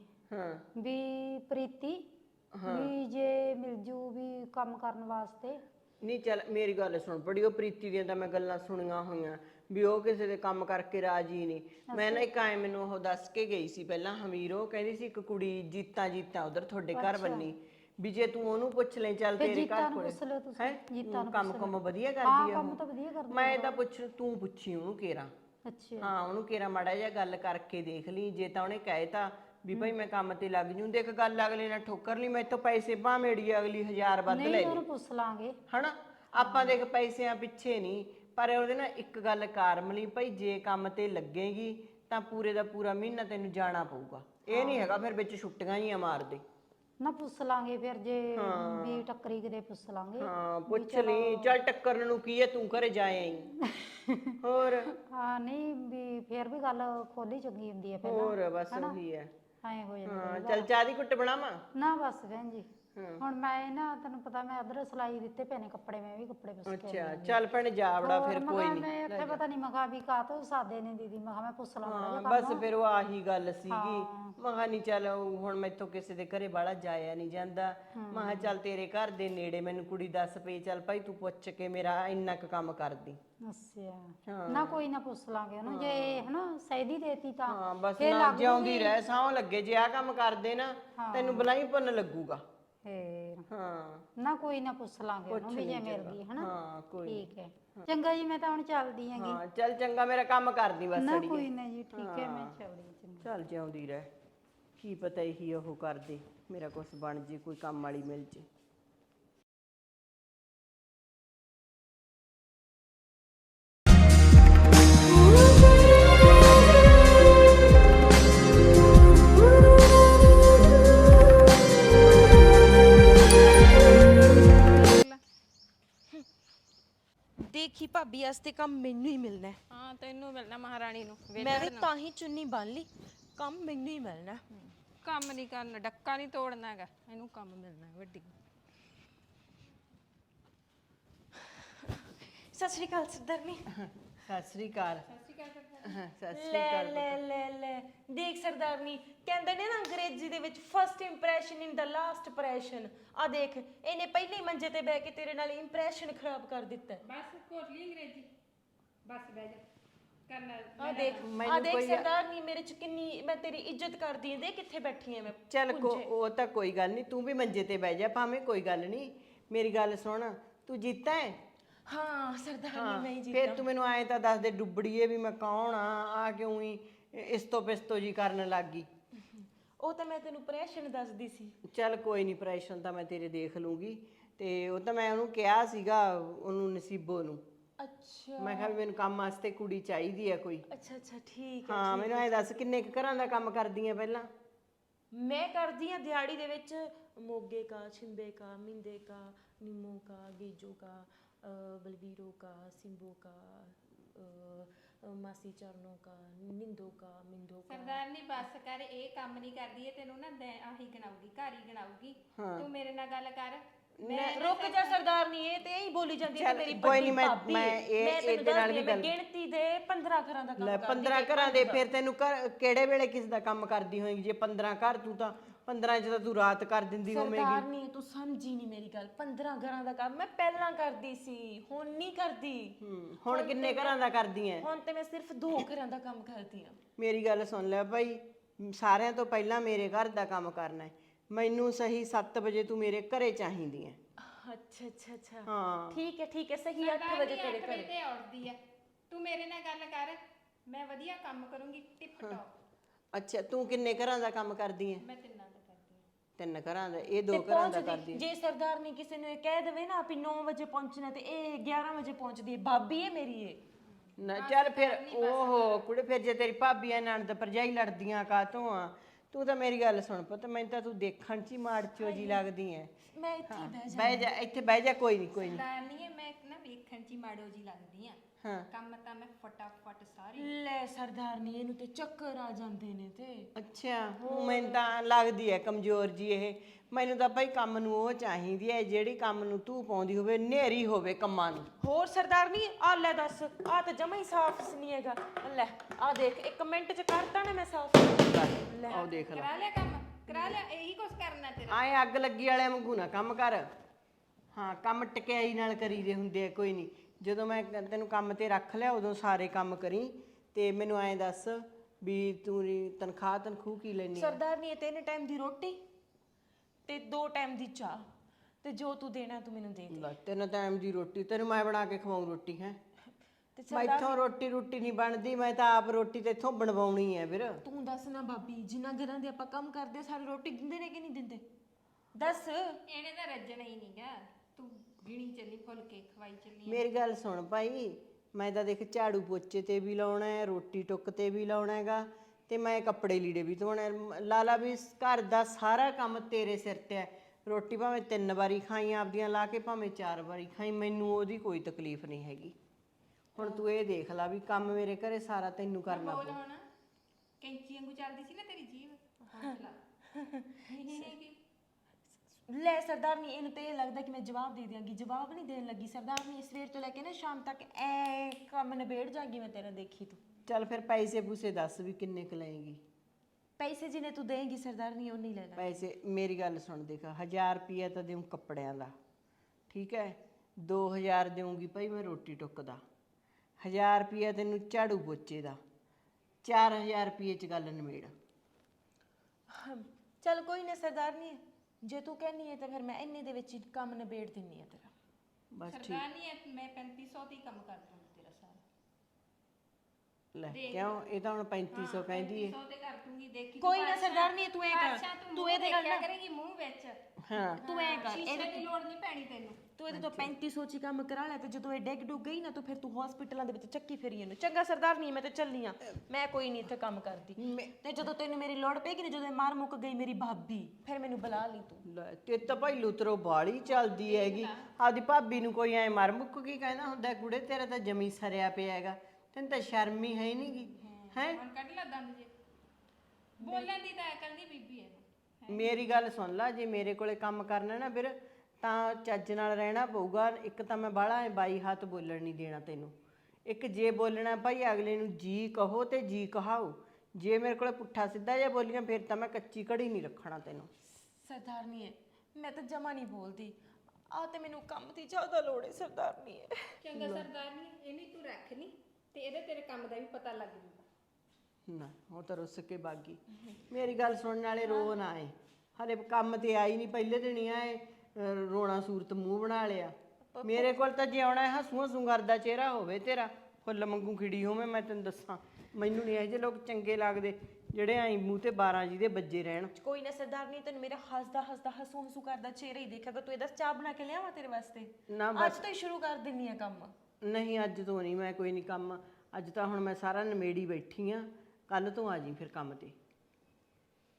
Speaker 1: ਵੀ ਪ੍ਰੀਤੀ, ਵੀ ਜੇ ਮਿਲ ਜੂ ਵੀ ਕੰਮ ਕਰਨ ਵਾਸਤੇ।
Speaker 2: ਨਹੀਂ ਚੱਲ ਮੇਰੀ ਗੱਲ ਸੁਣ ਬੜੀ, ਉਹ ਪ੍ਰੀਤੀ ਦੀਆਂ ਤਾਂ ਮੈਂ ਗੱਲਾਂ ਸੁਣੀਆਂ ਹੋਈਆਂ ਵੀ ਉਹ ਕਿਸੇ ਦੇ ਕੰਮ ਕਰਕੇ ਰਾਜੀ ਨਹੀਂ। ਮੈਂ ਨਾ ਇੱਕ ਆਏ ਮੈਨੂੰ ਉਹ ਦੱਸ ਕੇ ਗਈ ਸੀ ਪਹਿਲਾਂ ਹਮੀਰ, ਉਹ ਕਹਿੰਦੀ ਸੀ ਇੱਕ ਕੁੜੀ ਜੀਤਾ ਉਧਰ ਤੁਹਾਡੇ ਘਰ ਬੰਨੀ, ਵੀ ਜੇ ਤੂੰ ਉਹਨੂੰ ਪੁੱਛ ਲੈ ਚੱਲ ਤੇਰੇ ਘਰ ਕੋਲੇ ਹੈ ਕੰਮ ਵਧੀਆ ਕਰਦੀ ਆ ਉਹ। ਮੈਂ ਤਾਂ ਤੂੰ ਪੁੱਛੀ ਉਹਨੂੰ ਕੇਰਾ। ਹਾਂ ਉਹਨੂੰ ਕੇਰਾ ਮਾੜਾ ਜਿਹਾ ਗੱਲ ਕਰਕੇ ਦੇਖ ਲਈ, ਜੇ ਤਾਂ ਉਹਨੇ ਕਹਿ ਤਾ ਵੀ ਭਾਈ ਮੈਂ ਕੰਮ ਤੇ ਲੱਗ ਜੂ, ਦੇਖ ਗੱਲ ਅਗਲੇ ਨਾਲ ਠੋਕਰ ਲਈ ਮੈਥੋਂ ਪੈਸੇ ਭਾਵੇਂ ਅਗਲੀ 1000 ਵੱਧ ਲੈ ਲਈ,
Speaker 1: ਪੁੱਛ ਲਾਂਗੇ
Speaker 2: ਹਨਾ। ਆਪਾਂ ਦੇਖ ਪੈਸਿਆਂ ਪਿੱਛੇ ਨਹੀਂ, ਪਰ ਉਹਦੇ ਨਾਲ ਇੱਕ ਗੱਲ ਕਾਰਮਲੀ ਭਾਈ ਜੇ ਕੰਮ ਤੇ ਲੱਗੇਗੀ ਤਾਂ ਪੂਰੇ ਦਾ ਪੂਰਾ ਮਹੀਨਾ ਤੈਨੂੰ ਜਾਣਾ ਪਊਗਾ। ਇਹ ਨਹੀਂ ਹੈਗਾ ਫਿਰ ਵਿੱਚ ਛੁੱਟੀਆਂ ਹੀ ਮਾਰਦੇ
Speaker 1: ਨਾ। ਪੁੱਛ ਲਾਂਗੇ ਫਿਰ ਜੇ ਵੀ ਟੱਕਰੀ ਕਿਤੇ ਪੁੱਛ ਲਾਂਗੇ।
Speaker 2: ਹਾਂ ਪੁੱਛ ਲਈ, ਚੱਲ ਟੱਕਰਨ ਨੂੰ ਕੀ ਹੈ, ਤੂੰ ਘਰੇ ਜਾਏ ਆਈ ਹੋਰ।
Speaker 1: ਹਾਂ ਨਹੀਂ ਵੀ ਫਿਰ ਵੀ ਗੱਲ ਖੋਲੀ ਚੰਗੀ ਹੁੰਦੀ ਹੈ ਪਹਿਲਾਂ,
Speaker 2: ਹੋਰ ਬਸ ਉਹੀ ਹੈ।
Speaker 1: ਐਂ ਹੋ ਜਾਂਦਾ।
Speaker 2: ਹਾਂ ਚੱਲ ਚਾਹ ਦੀ ਘੁੱਟ ਬਣਾਵਾਂ? ਨਾ
Speaker 1: ਬਸ ਭੈਣ ਜੀ ਹੁਣ ਮੈਂ ਨਾ ਤੈਨੂੰ ਪਤਾ ਮੈਂ ਅਦਰ ਸਿਲਾਈ ਦਿੱਤੇ ਪਏ ਨੇ ਕੱਪੜੇ, ਮੈਂ ਵੀ ਕੱਪੜੇ ਪੁੱਛ ਕੇ
Speaker 2: ਅੱਛਾ ਚੱਲ ਭੈਣੇ ਜਾ ਵੜਾ ਫਿਰ ਕੋਈ ਨਹੀਂ।
Speaker 1: ਮੈਂ ਇੱਥੇ ਪਤਾ ਨਹੀਂ ਮਖਾ ਵੀ ਕਾਹਤੋਂ ਸਾਦੇ ਨੇ ਦੀਦੀ, ਮਖਾ ਮੈਂ ਪੁੱਛ ਲਾਂ
Speaker 2: ਹਾਂ ਬਸ ਫਿਰ ਉਹ ਆਹੀ ਗੱਲ ਸੀਗੀ। ਮਖਾ ਨਹੀਂ ਚੱਲ ਹੁਣ ਮੈਥੋਂ ਕਿਸੇ ਦੇ ਘਰੇ ਬਾਹਲਾ ਜਾਇਆ ਨਹੀਂ ਜਾਂਦਾ। ਮਖਾ ਚੱਲ ਤੇਰੇ ਘਰ ਦੇ ਨੇੜੇ ਮੈਨੂੰ ਕੁੜੀ ਦੱਸ ਪਈ, ਚੱਲ ਭਾਈ ਤੂੰ ਪੁੱਛ ਕੇ ਮੇਰਾ ਇੰਨਾ ਕੁ ਕੰਮ ਕਰਦੀ।
Speaker 1: ਅੱਛਾ ਨਾ ਕੋਈ ਨਾ ਪੁੱਛ ਲਾਂਗੇ ਉਹਨੂੰ, ਜੇ ਹਨਾ ਸੈਦੀ ਦੇਤੀ ਤਾਂ
Speaker 2: ਹਾਂ ਬਸ ਨਾ ਜਿਉਂਦੀ ਰਹਿ, ਸਹੁੰ ਲੱਗੇ ਜੇ ਆਹ ਕੰਮ ਕਰਦੇ ਨਾ ਤੈਨੂੰ ਬਲਾਈ ਪੁੰਨ ਲੱਗੂਗਾ। ਹਾਂ
Speaker 1: ਨਾ ਕੋਈ ਨਾ ਪੁੱਛ ਲਾਂਗੇ ਉਹਨੂੰ ਵੀ ਜੇ ਮਿਲ ਗਈ ਹਨਾ।
Speaker 2: ਹਾਂ ਕੋਈ
Speaker 1: ਠੀਕ ਹੈ ਚੰਗਾ ਜੀ, ਮੈਂ ਤਾਂ ਹੁਣ ਚੱਲਦੀ ਹੈਗੀ।
Speaker 2: ਹਾਂ ਚੱਲ ਚੰਗਾ, ਮੇਰਾ ਕੰਮ ਕਰਦੀ ਬਸ।
Speaker 1: ਨਾ ਕੋਈ ਨਾ ਜੀ ਠੀਕ ਹੈ, ਮੈਂ ਚੱਲਦੀ।
Speaker 2: ਚੱਲ ਜਿਉਂਦੀ ਰਹਿ, ਕੀ ਪਤਾ ਇਹੀ ਉਹ ਕਰਦੇ ਮੇਰਾ ਕੁਛ ਬਣ ਜੇ, ਕੋਈ ਕੰਮ ਵਾਲੀ ਮਿਲ ਜੇ।
Speaker 3: ਦੇਖੀ ਭਾਬੀ ਵਾਸਤੇ ਕੰਮ ਮੈਨੂੰ ਹੀ ਮਿਲਣਾ।
Speaker 4: ਹਾਂ ਤੈਨੂੰ ਮਿਲਣਾ ਮਹਾਰਾਣੀ ਨੂੰ।
Speaker 3: ਮੈਂ ਵੀ ਤਾਂ ਹੀ ਚੁੰਨੀ ਬੰਨ ਲਈ, ਕੰਮ ਮੈਨੂੰ ਹੀ ਮਿਲਣਾ।
Speaker 4: ਕੰਮ ਨਹੀਂ ਕਰਨਾ, ਡੱਕਾ ਨਹੀਂ ਤੋੜਨਾ ਹੈਗਾ, ਇਹਨੂੰ ਕੰਮ ਮਿਲਣਾ ਵੱਡੀ।
Speaker 3: ਸਤਿ ਸ਼੍ਰੀ ਅਕਾਲ ਸਰਦਾਰਨੀ।
Speaker 2: ਸਤਿ ਸ਼੍ਰੀ ਅਕਾਲ।
Speaker 3: ਲੈ ਦੇਖ ਸਰਦਾਰਨੀ, ਕਹਿੰਦੇ ਨੇ ਨਾ ਅੰਗਰੇਜ਼ੀ ਦੇ ਵਿੱਚ first impression in the last impression. ਆ ਦੇਖ ਇਹਨੇ ਪਹਿਲੇ ਹੀ ਮੰਜੇ ਤੇ ਬਹਿ ਕੇ ਤੇਰੇ ਨਾਲ ਇੰਪ੍ਰੈਸ਼ਨ ਖਰਾਬ ਕਰ ਦਿੱਤਾ।
Speaker 4: ਬਸ ਕੋਟਲੀ ਅੰਗਰੇਜ਼ੀ, ਬਸ ਬਹਿ ਜਾ ਕਰਨਾ।
Speaker 3: ਆ ਦੇਖ ਸਰਦਾਰਨੀ ਮੇਰੇ ਚ ਕਿੰਨੀ ਮੈਂ ਤੇਰੀ ਇੱਜ਼ਤ ਕਰਦੀ ਆਂ, ਦੇਖ ਕਿੱਥੇ ਬੈਠੀ ਆਂ ਮੈਂ।
Speaker 2: ਚੱਲ ਉਹ ਤਾਂ ਕੋਈ ਗੱਲ ਨਹੀਂ, ਤੂੰ ਵੀ ਮੰਜੇ ਤੇ ਬਹਿ ਜਾ ਭਾਵੇਂ, ਕੋਈ ਗੱਲ ਨਹੀਂ। ਮੇਰੀ ਗੱਲ ਸੁਣ, ਤੂੰ ਜੀਤਾ ਹੈ?
Speaker 3: ਹਾਂ ਸਰਦਾਰਨੀ ਮੈਂ ਹੀ ਜੀਤਾ।
Speaker 2: ਫਿਰ ਤੂੰ ਮੈਨੂੰ ਆਏ ਤਾਂ ਦੱਸ ਦੇ ਡੁੱਬੜੀਏ ਵੀ ਮੈਂ ਕੌਣ ਆ ਕਿਉਂ ਹੀ ਇਸ ਤੋਂ ਪਿਸਤੋ ਜੀ ਕਰਨ ਲੱਗ ਗਈ।
Speaker 3: ਉਹ ਤਾਂ ਮੈਂ ਤੈਨੂੰ ਪ੍ਰੈਸ਼ਨ ਦੱਸਦੀ ਸੀ।
Speaker 2: ਚੱਲ ਕੋਈ ਨਹੀਂ, ਪ੍ਰੈਸ਼ਨ ਤਾਂ ਮੈਂ ਤੇਰੇ ਦੇਖ ਲੂੰਗੀ। ਤੇ ਉਹ ਤਾਂ ਮੈਂ ਉਹਨੂੰ ਕਿਹਾ ਸੀਗਾ, ਉਹਨੂੰ ਨਸੀਬੋ ਨੂੰ।
Speaker 3: ਅੱਛਾ
Speaker 2: ਮੈਂ ਕਿਹਾ ਵੀ ਮੈਨੂੰ ਕੰਮ ਵਾਸਤੇ ਕੁੜੀ ਚਾਹੀਦੀ ਹੈ ਕੋਈ।
Speaker 3: ਅੱਛਾ ਠੀਕ ਹੈ।
Speaker 2: ਹਾਂ ਮੈਨੂੰ ਐ ਦੱਸ ਕਿੰਨੇ ਕੁ ਘਰਾਂ ਦਾ ਕੰਮ ਕਰਦੀ ਹੈ ਪਹਿਲਾਂ?
Speaker 3: ਮੈਂ ਕਰਦੀ ਆ ਦਿਹਾੜੀ ਦੇ ਵਿੱਚ ਮੋਗੇ ਕਾ, ਛਿੰਬੇ ਕਾ, ਮਿੰਦੇ ਕਾ, ਨਿੰਮੋ ਕਾ, ਗੀਜੋ ਕਾ, ਬਲਵੀਰੋ ਕਾ, ਸਿੰਬੋ ਕਾ, ਮਾਸੀ ਚਰਨੋਂ ਕਾ, ਨਿੰਦੋ ਕਾ, ਮਿੰਦੋ ਕਾ।
Speaker 4: ਸਰਦਾਰਨੀ ਬਸ ਕਰ, ਇਹ ਕੰਮ ਨਹੀਂ ਕਰਦੀ, ਇਹ ਤੈਨੂੰ ਨਾ ਆਹੀ ਗਣਾਉਗੀ, ਘਰ ਹੀ ਗਣਾਉਗੀ। ਤੂੰ ਮੇਰੇ ਨਾਲ ਗੱਲ ਕਰ।
Speaker 3: ਰੁਕ ਜਾ ਸਰਦਾਰਨੀ, ਇਹ ਤੇ ਇਹੀ ਬੋਲੀ ਜਾਂਦੀ ਹੈ ਮੇਰੀ
Speaker 2: ਕੋਈ ਨਹੀਂ,
Speaker 3: ਵੱਡੀ ਭਾਬੀ।
Speaker 2: ਮੈਂ ਇਹਦੇ ਨਾਲ ਵੀ ਗੱਲ
Speaker 3: ਗਿਣਤੀ ਦੇ 15 ਘਰਾਂ ਦਾ ਕੰਮ
Speaker 2: ਲੈ 15 ਘਰਾਂ ਦੇ ਫਿਰ ਤੈਨੂੰ ਕਿਹੜੇ ਵੇਲੇ ਕਿਸ ਦਾ ਕੰਮ ਕਰਦੀ ਹੋਏਗੀ? ਜੇ 15 ਘਰ ਤੂੰ ਤਾਂ 15 ਚ ਤਾਂ ਤੂੰ ਰਾਤ ਕਰ ਦਿੰਦੀ ਹੋਵੇਂਗੀ।
Speaker 3: ਸਰਦਾਰਨੀ ਤੂੰ ਸਮਝੀ ਨਹੀਂ ਮੇਰੀ ਗੱਲ। 15 ਘਰਾਂ ਦਾ ਕੰਮ ਮੈਂ ਪਹਿਲਾਂ ਕਰਦੀ ਸੀ, ਹੁਣ ਨਹੀਂ ਕਰਦੀ।
Speaker 2: ਹੁਣ ਕਿੰਨੇ ਘਰਾਂ ਦਾ ਕਰਦੀ ਐ?
Speaker 3: ਹੁਣ ਤੇ ਮੈਂ ਸਿਰਫ 2 ਘਰਾਂ ਦਾ ਕੰਮ ਕਰਦੀ ਆ।
Speaker 2: ਮੇਰੀ ਗੱਲ ਸੁਣ ਲੈ ਭਾਈ, ਸਾਰਿਆਂ ਤੋਂ ਪਹਿਲਾਂ ਮੇਰੇ ਘਰ ਦਾ ਕੰਮ ਕਰਨਾ ਹੈ। ਮੈਨੂੰ ਸਹੀ 7 ਵਜੇ ਤੂੰ ਮੇਰੇ ਘਰੇ ਚਾਹੀਦੀ ਐ।
Speaker 3: ਅੱਛਾ ਅੱਛਾ ਅੱਛਾ,
Speaker 2: ਹਾਂ
Speaker 3: ਠੀਕ ਹੈ ਸਹੀ 8 ਵਜੇ ਤੇਰੇ ਘਰੇ।
Speaker 4: ਤੇ ਉੱਠਦੀ ਆ, ਤੂੰ ਮੇਰੇ ਨਾਲ ਗੱਲ ਕਰ, ਮੈਂ ਵਧੀਆ ਕੰਮ ਕਰੂੰਗੀ ਟਿਪ ਟੌਪ।
Speaker 2: ਅੱਛਾ, ਤੂੰ ਕਿੰਨੇ ਘਰਾਂ ਦਾ ਕੰਮ ਕਰਦੀ ਐ?
Speaker 4: ਮੈਂ ਤਿੰਨਾਂ ਦਾ ਕਰਦੀ ਆ।
Speaker 2: 3 ਘਰਾਂ ਦਾ, ਇਹ 2 ਘਰਾਂ ਦਾ ਕਰਦੀ ਐ।
Speaker 3: ਜੇ ਸਰਦਾਰਨੀ ਕਿਸੇ ਨੂੰ ਇਹ ਕਹਿ ਦੇਵੇ ਨਾ ਵੀ 9 ਵਜੇ ਪਹੁੰਚਣਾ ਤੇ ਇਹ 11 ਵਜੇ ਪਹੁੰਚਦੀ ਹੈ। ਭਾਬੀ ਹੈ ਮੇਰੀ ਇਹ।
Speaker 2: ਨਾ ਚੱਲ ਫਿਰ, ਓਹੋ ਕੁੜੇ, ਫਿਰ ਜੇ ਤੇਰੀ ਭਾਬੀ ਐ ਨਣਦ ਭਰਜਾਈ ਲੜਦੀਆਂ ਕਾਹਤੋਂ ਆ? ਤੂੰ ਤਾਂ ਮੇਰੀ ਗੱਲ ਸੁਣ ਪੁੱਤ, ਮੈਨੂੰ ਤਾਂ ਤੂੰ ਦੇਖਣ ਚ ਹੀ ਮਾੜਚੋ ਜੀ ਲੱਗਦੀ ਐ।
Speaker 3: ਮੈਂ ਇੱਥੇ ਹੀ ਬਹਿ
Speaker 2: ਬਹਿ ਜਾ, ਇੱਥੇ ਬਹਿ ਜਾ, ਕੋਈ ਨਹੀਂ ਕੋਈ ਨਹੀਂ।
Speaker 4: ਸਰਦਾਰਨੀ ਮੈਂ ਨਾ ਵੇਖਣ ਚ ਹੀ ਮਾੜੋ ਜੀ ਲੱਗਦੀ ਆ।
Speaker 2: ਹਾਂ
Speaker 4: ਕੰਮ ਤਾਂ ਮੈਂ ਫਟਾਫਟ ਸਾਰੀ।
Speaker 3: ਲੈ ਸਰਦਾਰਨੀ, ਇਹਨੂੰ ਤੇ ਚੱਕਰ ਆ ਜਾਂਦੇ ਨੇ ਤੇ।
Speaker 2: ਅੱਛਾ, ਮੈਨੂੰ ਤਾਂ ਲੱਗਦੀ ਐ ਕਮਜ਼ੋਰ ਜੀ ਇਹ। ਮੈਨੂੰ ਤਾਂ ਭਾਈ ਕੰਮ ਨੂੰ ਉਹ ਚਾਹੀਦੀ ਐ ਜਿਹੜੀ ਕੰਮ ਨੂੰ ਤੂੰ ਪਾਉਂਦੀ ਹੋਵੇ, ਨੇਰੀ ਹੋਵੇ ਕੰਮਾਂ ਨੂੰ।
Speaker 3: ਹੋਰ ਸਰਦਾਰਨੀ, ਆ ਲੈ ਦੱਸ, ਆ ਤਾਂ ਜਮਾ ਹੀ ਸਾਫ਼ ਨਹੀਂ ਹੈਗਾ। ਲੈ ਆ ਦੇਖ, 1 ਮਿੰਟ ਚ ਕਰਤਾ ਨਾ ਮੈਂ ਸਾਫ਼। ਲੈ
Speaker 2: ਆਹ ਦੇਖ ਲੈ,
Speaker 4: ਕਰਾ ਲਿਆ ਕੰਮ, ਕਰਾ ਲਿਆ, ਇਹੀ ਕੁਛ ਕਰਨਾ ਤੇਰਾ।
Speaker 2: ਆਏ ਅੱਗ ਲੱਗੀ ਵਾਲਿਆਂ ਵਾਂਗੂ ਨਾ ਕੰਮ ਕਰ। ਹਾਂ, ਕੰਮ ਟਕਿਆਈ ਨਾਲ ਕਰੀਦੇ ਹੁੰਦੇ ਆ। ਕੋਈ ਨਹੀਂ, ਜਦੋਂ ਮੈਂ ਤੈਨੂੰ ਕੰਮ ਤੇ ਰੱਖ ਲਿਆ ਉਦੋਂ ਸਾਰੇ ਕੰਮ ਕਰੀ। ਤੇ ਮੈਨੂੰ ਐਂ ਦੱਸ ਵੀ ਤੂੰ ਤਨਖਾਹ ਕੀ ਲੈਣੀ?
Speaker 3: ਸਰਦਾਰਨੀ, ਇਹ 3 ਟਾਈਮ ਦੀ ਰੋਟੀ ਤੇ 2 ਟਾਈਮ ਦੀ ਚਾਹ, ਤੇ ਜੋ ਤੂੰ ਦੇਣਾ ਤੂੰ ਮੈਨੂੰ ਦੇ ਦੇ।
Speaker 2: 3 ਟਾਈਮ ਦੀ ਰੋਟੀ ਤੈਨੂੰ ਮੈਂ ਬਣਾ ਕੇ ਖਵਾਉਂ ਰੋਟੀ? ਹੈ
Speaker 3: ਤੇ
Speaker 2: ਮੈਥੋਂ ਰੋਟੀ ਨਹੀਂ ਬਣਦੀ, ਮੈਂ ਤਾਂ ਆਪ ਰੋਟੀ ਤੇ ਇੱਥੋਂ ਬਣਵਾਉਣੀ ਹੈ। ਫਿਰ
Speaker 3: ਤੂੰ ਦੱਸ ਨਾ ਭਾਬੀ, ਜਿਨ੍ਹਾਂ ਘਰਾਂ ਦੇ ਆਪਾਂ ਕੰਮ ਕਰਦੇ ਸਾਰੇ ਰੋਟੀ ਦਿੰਦੇ ਨੇ ਕਿ ਨਹੀਂ ਦਿੰਦੇ? ਦੱਸ।
Speaker 4: ਇਹਨੇ ਤਾਂ ਰੱਜਣਾ ਹੀ ਨਹੀਂਗਾ, ਤੂੰ ਗਿਣੀ ਚੱਲੀ, ਫੁਲਕੇ ਖਵਾਈ ਚੱਲੀ।
Speaker 2: ਮੇਰੀ ਗੱਲ ਸੁਣ ਭਾਈ, ਮੈਂ ਤਾਂ ਦੇਖ ਝਾੜੂ ਪੋਚੇ ਤੇ ਵੀ ਲਾਉਣਾ ਹੈ, ਰੋਟੀ ਟੁੱਕ ਤੇ ਵੀ ਲਾਉਣਾ ਹੈਗਾ, ਤੇ ਮੈਂ ਕੱਪੜੇ ਲੀੜੇ ਵੀ ਧੋਣਾ ਹੈ। ਲਾਲਾ ਵੀ ਘਰ ਦਾ ਸਾਰਾ ਕੰਮ ਤੇਰੇ ਸਿਰ ਤੇ ਹੈ। ਰੋਟੀ ਭਾਵੇਂ 3 ਵਾਰੀ ਖਾਈ ਆਪਦੀਆਂ ਲਾ ਕੇ, ਭਾਵੇਂ 4 ਵਾਰੀ ਖਾਈ, ਮੈਨੂੰ ਉਹਦੀ ਕੋਈ ਤਕਲੀਫ ਨਹੀਂ ਹੈਗੀ। ਹੁਣ ਤੂੰ ਇਹ ਦੇਖ ਲਾ ਵੀ ਕੰਮ ਮੇਰੇ ਘਰੇ ਸਾਰਾ ਤੈਨੂੰ ਕਰਨਾ
Speaker 4: ਬੋਲ
Speaker 2: ਪਊ।
Speaker 4: ਹੁਣ, ਕੈਂਚੀ ਵਾਂਗੂ ਚੱਲਦੀ ਸੀ ਨਾ ਤੇਰੀ ਜੀਭ, ਹੁਣ ਚਲਾ। ਨਹੀਂ
Speaker 3: ਲੈ ਸਰਦਾਰਨੀ, ਇਹਨੂੰ ਤੇ ਇਹ ਲੱਗਦਾ ਕਿ ਮੈਂ ਜਵਾਬ ਦੇ ਦਿਆਂਗੀ। ਜਵਾਬ ਨਹੀਂ ਦੇਣ ਲੱਗੀ ਸਰਦਾਰਨੀ। ਸਵੇਰ ਤੋਂ ਲੈ ਕੇ ਨਾ ਸ਼ਾਮ ਤੱਕ ਐ ਕੰਮ ਨਿਬੇੜ ਜਾਗੀ ਮੈਂ ਤੇਰਾ, ਦੇਖੀ ਤੂੰ।
Speaker 2: ਚੱਲ ਫਿਰ ਪੈਸੇ ਪੂਸੇ ਦੱਸ ਵੀ ਕਿੰਨੇ ਕੁ ਲਏਂਗੀ?
Speaker 3: ਪੈਸੇ ਜਿਨੇ ਤੂੰ ਦੇਂਗੀ ਸਰਦਾਰਨੀ ਉਹ ਨਹੀਂ ਲੈਣਾ।
Speaker 2: ਪੈਸੇ ਮੇਰੀ ਗੱਲ ਸੁਣ, ਦੇਖ 1000 ਰੁਪਈਆ ਤਾਂ ਦੇਉਂ ਕੱਪੜਿਆਂ ਦਾ, ਠੀਕ ਹੈ? 2000 ਦੇਊਂਗੀ ਭਾਈ ਮੈਂ ਰੋਟੀ ਟੁੱਕ ਦਾ, 1000 ਰੁਪਈਆ ਤੈਨੂੰ ਝਾੜੂ ਪੋਚੇ ਦਾ, 4000 ਰੁਪਈਏ ਚ ਗੱਲ ਨਿਬੇੜ।
Speaker 3: ਚੱਲ ਕੋਈ ਨਾ ਸਰਦਾਰਨੀ, ਜੇ ਤੂੰ ਕਹਿੰਨੀ ਹੈ ਤਾਂ ਫਿਰ ਮੈਂ ਇੰਨੇ ਦੇ ਵਿੱਚ ਹੀ ਕੰਮ ਨਿਬੇੜ ਦਿੰਨੀ ਆ ਤੇਰਾ।
Speaker 2: ਬਸ ਠੀਕ।
Speaker 4: ਸਰਦਾਰਨੀ ਮੈਂ 3500 ਦੀ ਕੰਮ ਕਰ ਦੂੰਗੀ ਤੇਰਾ ਸਾਰਾ।
Speaker 2: ਲੈ ਕਿਉਂ, ਇਹ ਤਾਂ ਹੁਣ 3500 ਕਹਿੰਦੀ ਹੈ।
Speaker 4: 3500 ਤੇ ਕਰ ਦੂੰਗੀ, ਦੇਖੀ।
Speaker 3: ਕੋਈ ਨਾ ਸਰਦਾਰਨੀ, ਤੂੰ ਇਹ ਕਰ, ਤੂੰ ਇਹਦੇ ਨਾਲ ਨਾ
Speaker 4: ਕਰੇਂਗੀ ਮੂੰਹ ਵਿੱਚ।
Speaker 2: ਹਾਂ
Speaker 3: ਤੂੰ ਇਹ ਕਰ,
Speaker 4: ਇਹਦੇ ਦੀ ਲੋੜ ਨਹੀਂ ਪੈਣੀ ਤੈਨੂੰ।
Speaker 3: ਤੂੰ ਇਹਦੇ ਤੋਂ 3500 ਚ ਹੀ ਕੰਮ ਕਰਾ ਲੈ, ਤੇ ਜਦੋਂ ਇਹ ਡਿੱਗ ਡੁੱਗ ਗਈ ਨਾ, ਤੂੰ ਫਿਰ ਤੂੰ ਹਸਪੀਟਲਾਂ ਦੇ ਵਿੱਚ ਚੱਕੀ ਫਿਰੀ ਇਹਨੂੰ। ਚੰਗਾ ਸਰਦਾਰਨੀ, ਮੈਂ ਤੇ ਚੱਲੀ ਆ, ਮੈਂ ਕੋਈ ਨਹੀਂ ਇੱਥੇ ਕੰਮ ਕਰਦੀ। ਤੇ ਜਦੋਂ ਤੈਨੂੰ ਮੇਰੀ ਲੋੜ ਪਏਗੀ ਨਾ, ਜਦੋਂ ਇਹ ਮਾਰ ਮੁੱਕ ਗਈ ਮੇਰੀ ਭਾਬੀ, ਫਿਰ ਮੈਨੂੰ ਬੁਲਾ ਲਈ ਤੂੰ।
Speaker 2: ਲੈ ਤੇ ਤਾਂ ਭਾਈ ਲੁਤਰੋ ਬਾਲੀ ਚੱਲਦੀ ਹੈਗੀ। ਆਪਦੀ ਭਾਬੀ ਨੂੰ ਕੋਈ ਐ ਮਰ ਮੁੱਕ ਕੀ ਕਹਿੰਦਾ ਹੁੰਦਾ? ਕੁੜੇ ਤੇਰਾ ਤਾਂ ਜਮੀ ਸਰਿਆ ਪਿਆ ਹੈਗਾ, ਤੈਨੂੰ ਤਾਂ ਸ਼ਰਮ ਹੀ ਹੈ ਨਹੀਂਗੀ। ਹੈ
Speaker 4: ਹੁਣ ਕੱਢ ਲੈ ਦੰਦ ਜੇ, ਬੋਲਣ ਦੀ ਤਾਂ ਅਕਲ ਨਹੀਂ ਬੀਬੀ ਹੈ।
Speaker 2: ਮੇਰੀ ਗੱਲ ਸੁਣ ਲਾ, ਜੇ ਮੇਰੇ ਕੋਲੇ ਕੰਮ ਕਰਨਾ ਨਾ ਫਿਰ ਤਾਂ ਚੱਜ ਨਾਲ ਰਹਿਣਾ ਪਊਗਾ। ਇੱਕ ਤਾਂ ਮੈਂ ਬਾਹਲਾ ਬਾਈ ਹੱਥ ਬੋਲਣ ਨਹੀਂ ਦੇਣਾ ਤੈਨੂੰ। ਇੱਕ ਜੇ ਬੋਲਣਾ ਭਾਈ ਅਗਲੇ ਨੂੰ ਜੀ ਕਹੋ ਤੇ ਜੀ ਕਹਾਓ। ਜੇ ਮੇਰੇ ਕੋਲੇ ਪੁੱਠਾ ਸਿੱਧਾ ਜਿਹਾ ਬੋਲੀਆਂ ਫਿਰ ਤਾਂ ਮੈਂ ਕੱਚੀ ਘੜੀ ਨਹੀਂ ਰੱਖਣਾ ਤੈਨੂੰ।
Speaker 3: ਸਰਦਾਰਨੀ ਹੈ, ਮੈਂ ਤਾਂ ਜਮਾ ਨਹੀਂ ਬੋਲਦੀ। ਆ ਤੇ ਮੈਨੂੰ ਕੰਮ ਦੀ ਜ਼ਿਆਦਾ ਲੋੜ ਹੈ ਸਰਦਾਰਨੀ ਹੈ।
Speaker 4: ਚੰਗਾ ਸਰਦਾਰਨੀ, ਇਹਨੀ ਤੂੰ ਰੱਖ ਨਹੀਂ, ਤੇ ਇਹਦੇ ਤੇਰੇ ਕੰਮ ਦਾ ਵੀ ਪਤਾ ਲੱਗ ਜੂਗਾ।
Speaker 2: ਨਾ ਉਹ ਤਾਂ ਰੁੱਸ ਕੇ ਬਾਗੀ। ਮੇਰੀ ਗੱਲ ਸੁਣਨ ਵਾਲੇ ਰੋ ਨਾ ਆਏ, ਹਲੇ ਕੰਮ ਤੇ ਆਈ ਨਹੀਂ, ਪਹਿਲੇ ਦਿਨ ਹੀ ਆਏ ਰੋਣਾ ਸੂਰਤ ਮੂੰਹ ਬਣਾ ਲਿਆ। ਮੇਰੇ ਕੋਲ ਤਾਂ ਜੇ ਆਉਣਾ ਹੱਸੂ ਹੱਸੂ ਕਰਦਾ ਚਿਹਰਾ ਹੋਵੇ ਤੇਰਾ, ਫੁੱਲ ਵਾਂਗੂ ਖਿੜੀ ਹੋਵੇ। ਮੈਂ ਤੈਨੂੰ ਦੱਸਾਂ, ਮੈਨੂੰ ਨਹੀਂ ਇਹੋ ਜਿਹੇ ਲੋਕ ਚੰਗੇ ਲੱਗਦੇ ਜਿਹੜੇ ਆਈ ਮੂੰਹ ਤੇ 12 ਜਿਹਦੇ ਵੱਜੇ ਰਹਿਣ।
Speaker 3: ਕੋਈ ਨਾ ਸਰਦਾਰਨੀ, ਤੈਨੂੰ ਮੇਰਾ ਹੱਸਦਾ ਹੱਸੂ ਹੱਸੂ ਕਰਦਾ ਚਿਹਰਾ ਹੀ ਦੇਖੇਗਾ। ਤੂੰ ਇਹਦਾ ਚਾਹ ਬਣਾ ਕੇ ਲਿਆਵਾਂ ਤੇਰੇ ਵਾਸਤੇ?
Speaker 2: ਨਾ
Speaker 3: ਅੱਜ ਤੋਂ ਹੀ ਸ਼ੁਰੂ ਕਰ ਦਿੰਨੀ ਆ ਕੰਮ।
Speaker 2: ਨਹੀਂ ਅੱਜ ਤੋਂ ਨਹੀਂ, ਮੈਂ ਕੋਈ ਨਹੀਂ ਕੰਮ। ਅੱਜ ਤਾਂ ਹੁਣ ਮੈਂ ਸਾਰਾ ਨਮੇੜੀ ਬੈਠੀ ਆ, ਕੱਲ ਤੋਂ ਆ ਜੀ ਫਿਰ ਕੰਮ ਤੇ।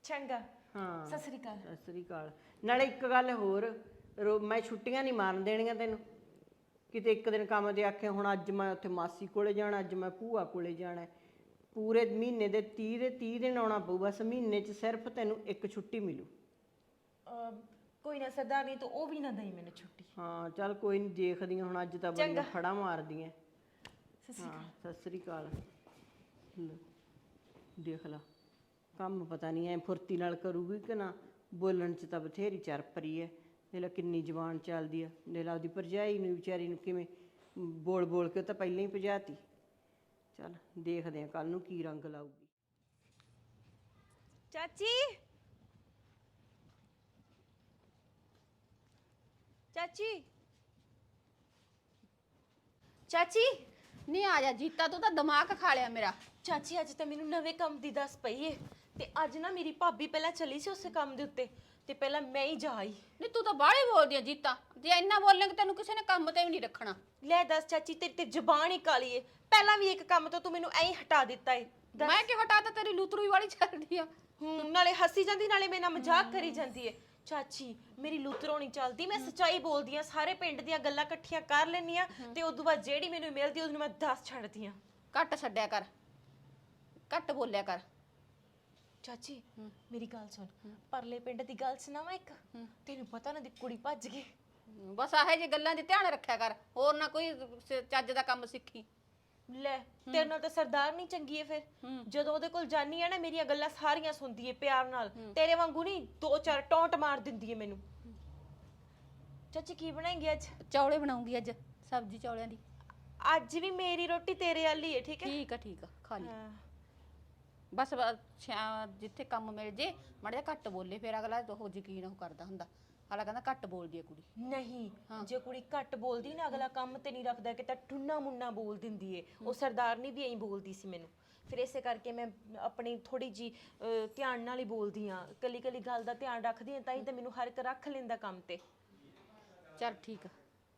Speaker 3: ਚੰਗਾ
Speaker 2: ਹਾਂ
Speaker 3: ਸਤਿ ਸ੍ਰੀ ਅਕਾਲ।
Speaker 2: ਸਤਿ ਸ੍ਰੀ ਅਕਾਲ। ਨਾਲੇ ਇੱਕ ਗੱਲ ਹੋਰ, ਮੈਂ ਛੁੱਟੀਆਂ ਨਹੀਂ ਮਾਰਨ ਦੇਣੀਆਂ ਤੈਨੂੰ ਕਿਤੇ। ਇੱਕ ਦਿਨ ਕੰਮ ਦੇ ਆਖੇ ਹੁਣ ਅੱਜ ਮੈਂ ਉੱਥੇ ਮਾਸੀ ਕੋਲੇ ਜਾਣਾ, ਅੱਜ ਮੈਂ ਭੂਆ ਕੋਲੇ ਜਾਣਾ, ਪੂਰੇ ਮਹੀਨੇ ਦੇ 30 ਦਿਨ ਆਉਣਾ ਪਊ। ਬਸ ਮਹੀਨੇ 'ਚ ਸਿਰਫ ਤੈਨੂੰ ਇੱਕ ਛੁੱਟੀ ਮਿਲੂ।
Speaker 3: ਕੋਈ ਨਾ ਸਰਦਾਰਨੀ, ਤੂੰ ਉਹ ਵੀ ਨਾ ਦਈ ਮੈਨੂੰ ਛੁੱਟੀ।
Speaker 2: ਹਾਂ ਚੱਲ ਕੋਈ ਨਹੀਂ, ਦੇਖਦੀਆਂ ਹੁਣ ਅੱਜ ਤਾਂ ਬੜੀਆਂ ਫੜਾ ਮਾਰਦੀਆਂ। ਹਾਂ ਸਤਿ ਸ੍ਰੀ ਅਕਾਲ। ਲੈ, ਦੇਖ ਲਾ ਕੰਮ ਪਤਾ ਨਹੀਂ ਐ ਫੁਰਤੀ ਨਾਲ ਕਰੂਗੀ ਕਿ ਨਾ। ਬੋਲਣ 'ਚ ਤਾਂ ਬਥੇਰੀ ਚਰਪਰੀ ਐ। ਦੇਖ ਲਾ ਕਿੰਨੀ ਜ਼ੁਬਾਨ ਚੱਲਦੀ ਆ। ਦੇਖ ਲਾ ਉਹਦੀ ਭਰਜਾਈ ਨੂੰ ਵਿਚਾਰੀ ਨੂੰ ਕਿਵੇਂ ਬੋਲ ਬੋਲ ਕੇ ਉਹ ਤਾਂ ਪਹਿਲਾਂ ਹੀ ਭਜਾਤੀ। ਚੱਲ ਦੇਖਦੇ ਆ ਕੱਲ ਨੂੰ ਕੀ ਰੰਗ ਲਾਊਗੀ।
Speaker 3: ਚਾਚੀ ਚਾਚੀ ਚਾਚੀ
Speaker 5: ਨਹੀਂ ਆ ਜਾ ਜੀਤਾ, ਤੂੰ ਤਾਂ ਦਿਮਾਗ ਖਾ ਲਿਆ ਮੇਰਾ।
Speaker 3: ਚਾਚੀ ਅੱਜ ਤਾਂ ਮੈਨੂੰ ਨਵੇਂ ਕੰਮ ਦੀ ਦੱਸ ਪਈ ਏ। ਤੇ ਅੱਜ ਨਾ ਮੇਰੀ ਭਾਬੀ ਪਹਿਲਾਂ ਚਲੀ ਸੀ ਉਸੇ ਕੰਮ ਦੇ ਉੱਤੇ, ਤੇ ਪਹਿਲਾਂ ਮੈਂ ਹੀ ਜਾ ਆਈ।
Speaker 5: ਨਹੀਂ ਤੂੰ ਤਾਂ ਬਾਹਲੀ ਬੋਲਦੀ ਆ ਜੀਤਾ, ਜੇ ਇੰਨਾ ਬੋਲੇਂਗੇ ਤੈਨੂੰ ਕਿਸੇ ਨੇ ਕੰਮ ਤੇ ਵੀ ਨਹੀਂ ਰੱਖਣਾ।
Speaker 3: ਲੈ ਦੱਸ ਚਾਚੀ, ਤੇਰੀ ਤੇ ਜ਼ੁਬਾਨ ਹੀ ਕਾਲੀ ਏ। ਪਹਿਲਾਂ ਵੀ ਇੱਕ ਕੰਮ ਤੋਂ ਤੂੰ ਮੈਨੂੰ ਐਂ ਹੀ ਹਟਾ ਦਿੱਤਾ ਏ।
Speaker 5: ਮੈਂ ਕਿ ਹਟਾਤਾ, ਤੇਰੀ ਲੂਤਰੂ ਵਾਲੀ ਚੱਲਦੀ ਆ।
Speaker 3: ਨਾਲੇ ਹੱਸੀ ਜਾਂਦੀ, ਨਾਲੇ ਮੇਰੇ ਨਾਲ ਮਜ਼ਾਕ ਕਰੀ ਜਾਂਦੀ ਏ। ਚਾਚੀ ਮੇਰੀ ਲੂਤਰੋਂ ਨਹੀਂ ਚੱਲਦੀ, ਮੈਂ ਸੱਚਾਈ ਬੋਲਦੀ ਆ। ਸਾਰੇ ਪਿੰਡ ਦੀਆਂ ਗੱਲਾਂ ਇਕੱਠੀਆਂ ਕਰ ਲੈਂਦੀ ਆ, ਤੇ ਉਦੋਂ ਬਾਅਦ ਜਿਹੜੀ ਮੈਨੂੰ ਮਿਲਦੀ ਉਹਨੂੰ ਮੈਂ ਦੱਸ ਛੱਡਦੀ ਆ।
Speaker 5: ਘੱਟ ਛੱਡਿਆ ਕਰ, ਘੱਟ ਬੋਲਿਆ ਕਰ।
Speaker 3: ਚਾਚੀ ਮੇਰੀ ਗੱਲ ਸੁਣ, ਪਰਲੇ ਪਿੰਡ ਦੀ ਗੱਲ ਸੁਣਾਵਾਂ ਇੱਕ। ਤੈਨੂੰ ਪਤਾ ਨਾ ਦੀ ਕੁੜੀ ਭੱਜ ਗਈ।
Speaker 5: ਬਸ ਆਹੇ ਜੇ ਗੱਲਾਂ 'ਚ ਧਿਆਨ ਰੱਖਿਆ ਕਰ, ਹੋਰ ਨਾ ਕੋਈ ਚੱਜ ਦਾ ਕੰਮ ਸਿੱਖੀ।
Speaker 3: ਲੈ ਤੇਰੇ ਨਾਲ ਤਾਂ ਸਰਦਾਰ ਨਹੀਂ ਚੰਗੀ ਏ। ਫਿਰ ਜਦੋਂ ਉਹਦੇ ਕੋਲ ਜਾਨੀ ਆ ਨਾ, ਮੇਰੀਆਂ ਗੱਲਾਂ ਸਾਰੀਆਂ ਸੁਣਦੀ ਏ ਪਿਆਰ ਨਾਲ। ਤੇਰੇ ਵਾਂਗੂ ਨਹੀਂ 2-4 ਟੌਂਟ ਮਾਰ ਦਿੰਦੀ ਏ ਮੈਨੂੰ। ਚਾਚੀ ਕੀ ਬਣਾਏਂਗੀ ਅੱਜ?
Speaker 5: ਚੌਲੇ ਬਣਾਉਂਗੀ ਅੱਜ, ਸਬਜ਼ੀ ਚੌਲਿਆਂ ਦੀ।
Speaker 3: ਅੱਜ ਵੀ ਮੇਰੀ ਰੋਟੀ ਤੇਰੇ ਵਾਲੀ ਏ, ਠੀਕ ਹੈ?
Speaker 5: ਠੀਕ ਆ ਖਾ ਲਈ। ਬਸ ਜਿੱਥੇ ਕੰਮ ਮਿਲ ਜੇ ਮਾੜਾ ਜਿਹਾ ਘੱਟ ਬੋਲੇ, ਫਿਰ ਅਗਲਾ ਉਹ ਯਕੀਨ ਉਹ ਕਰਦਾ ਹੁੰਦਾ। ਅਗਲਾ ਕਹਿੰਦਾ ਘੱਟ ਬੋਲਦੀ ਹੈ ਕੁੜੀ।
Speaker 3: ਨਹੀਂ, ਜੇ ਕੁੜੀ ਘੱਟ ਬੋਲਦੀ ਨਾ, ਅਗਲਾ ਕੰਮ ਤੇ ਨਹੀਂ ਰੱਖਦਾ, ਕਿ ਤਾਂ ਟੁੰਨਾ ਮੁੰਨਾ ਬੋਲ ਦਿੰਦੀ ਏ। ਉਹ ਸਰਦਾਰਨੀ ਵੀ ਐਂ ਬੋਲਦੀ ਸੀ ਮੈਨੂੰ। ਫਿਰ ਇਸੇ ਕਰਕੇ ਮੈਂ ਆਪਣੀ ਥੋੜੀ ਜੀ ਧਿਆਨ ਨਾਲ ਹੀ ਬੋਲਦੀ ਆ। ਕੱਲੀ ਕੱਲੀ ਗੱਲ ਦਾ ਧਿਆਨ ਰੱਖਦੀ ਆ, ਤਾਂ ਹੀ ਤਾਂ ਮੈਨੂੰ ਹਰ ਇੱਕ ਰੱਖ ਲੈਂਦਾ ਕੰਮ ਤੇ।
Speaker 5: ਚੱਲ ਠੀਕ ਆ।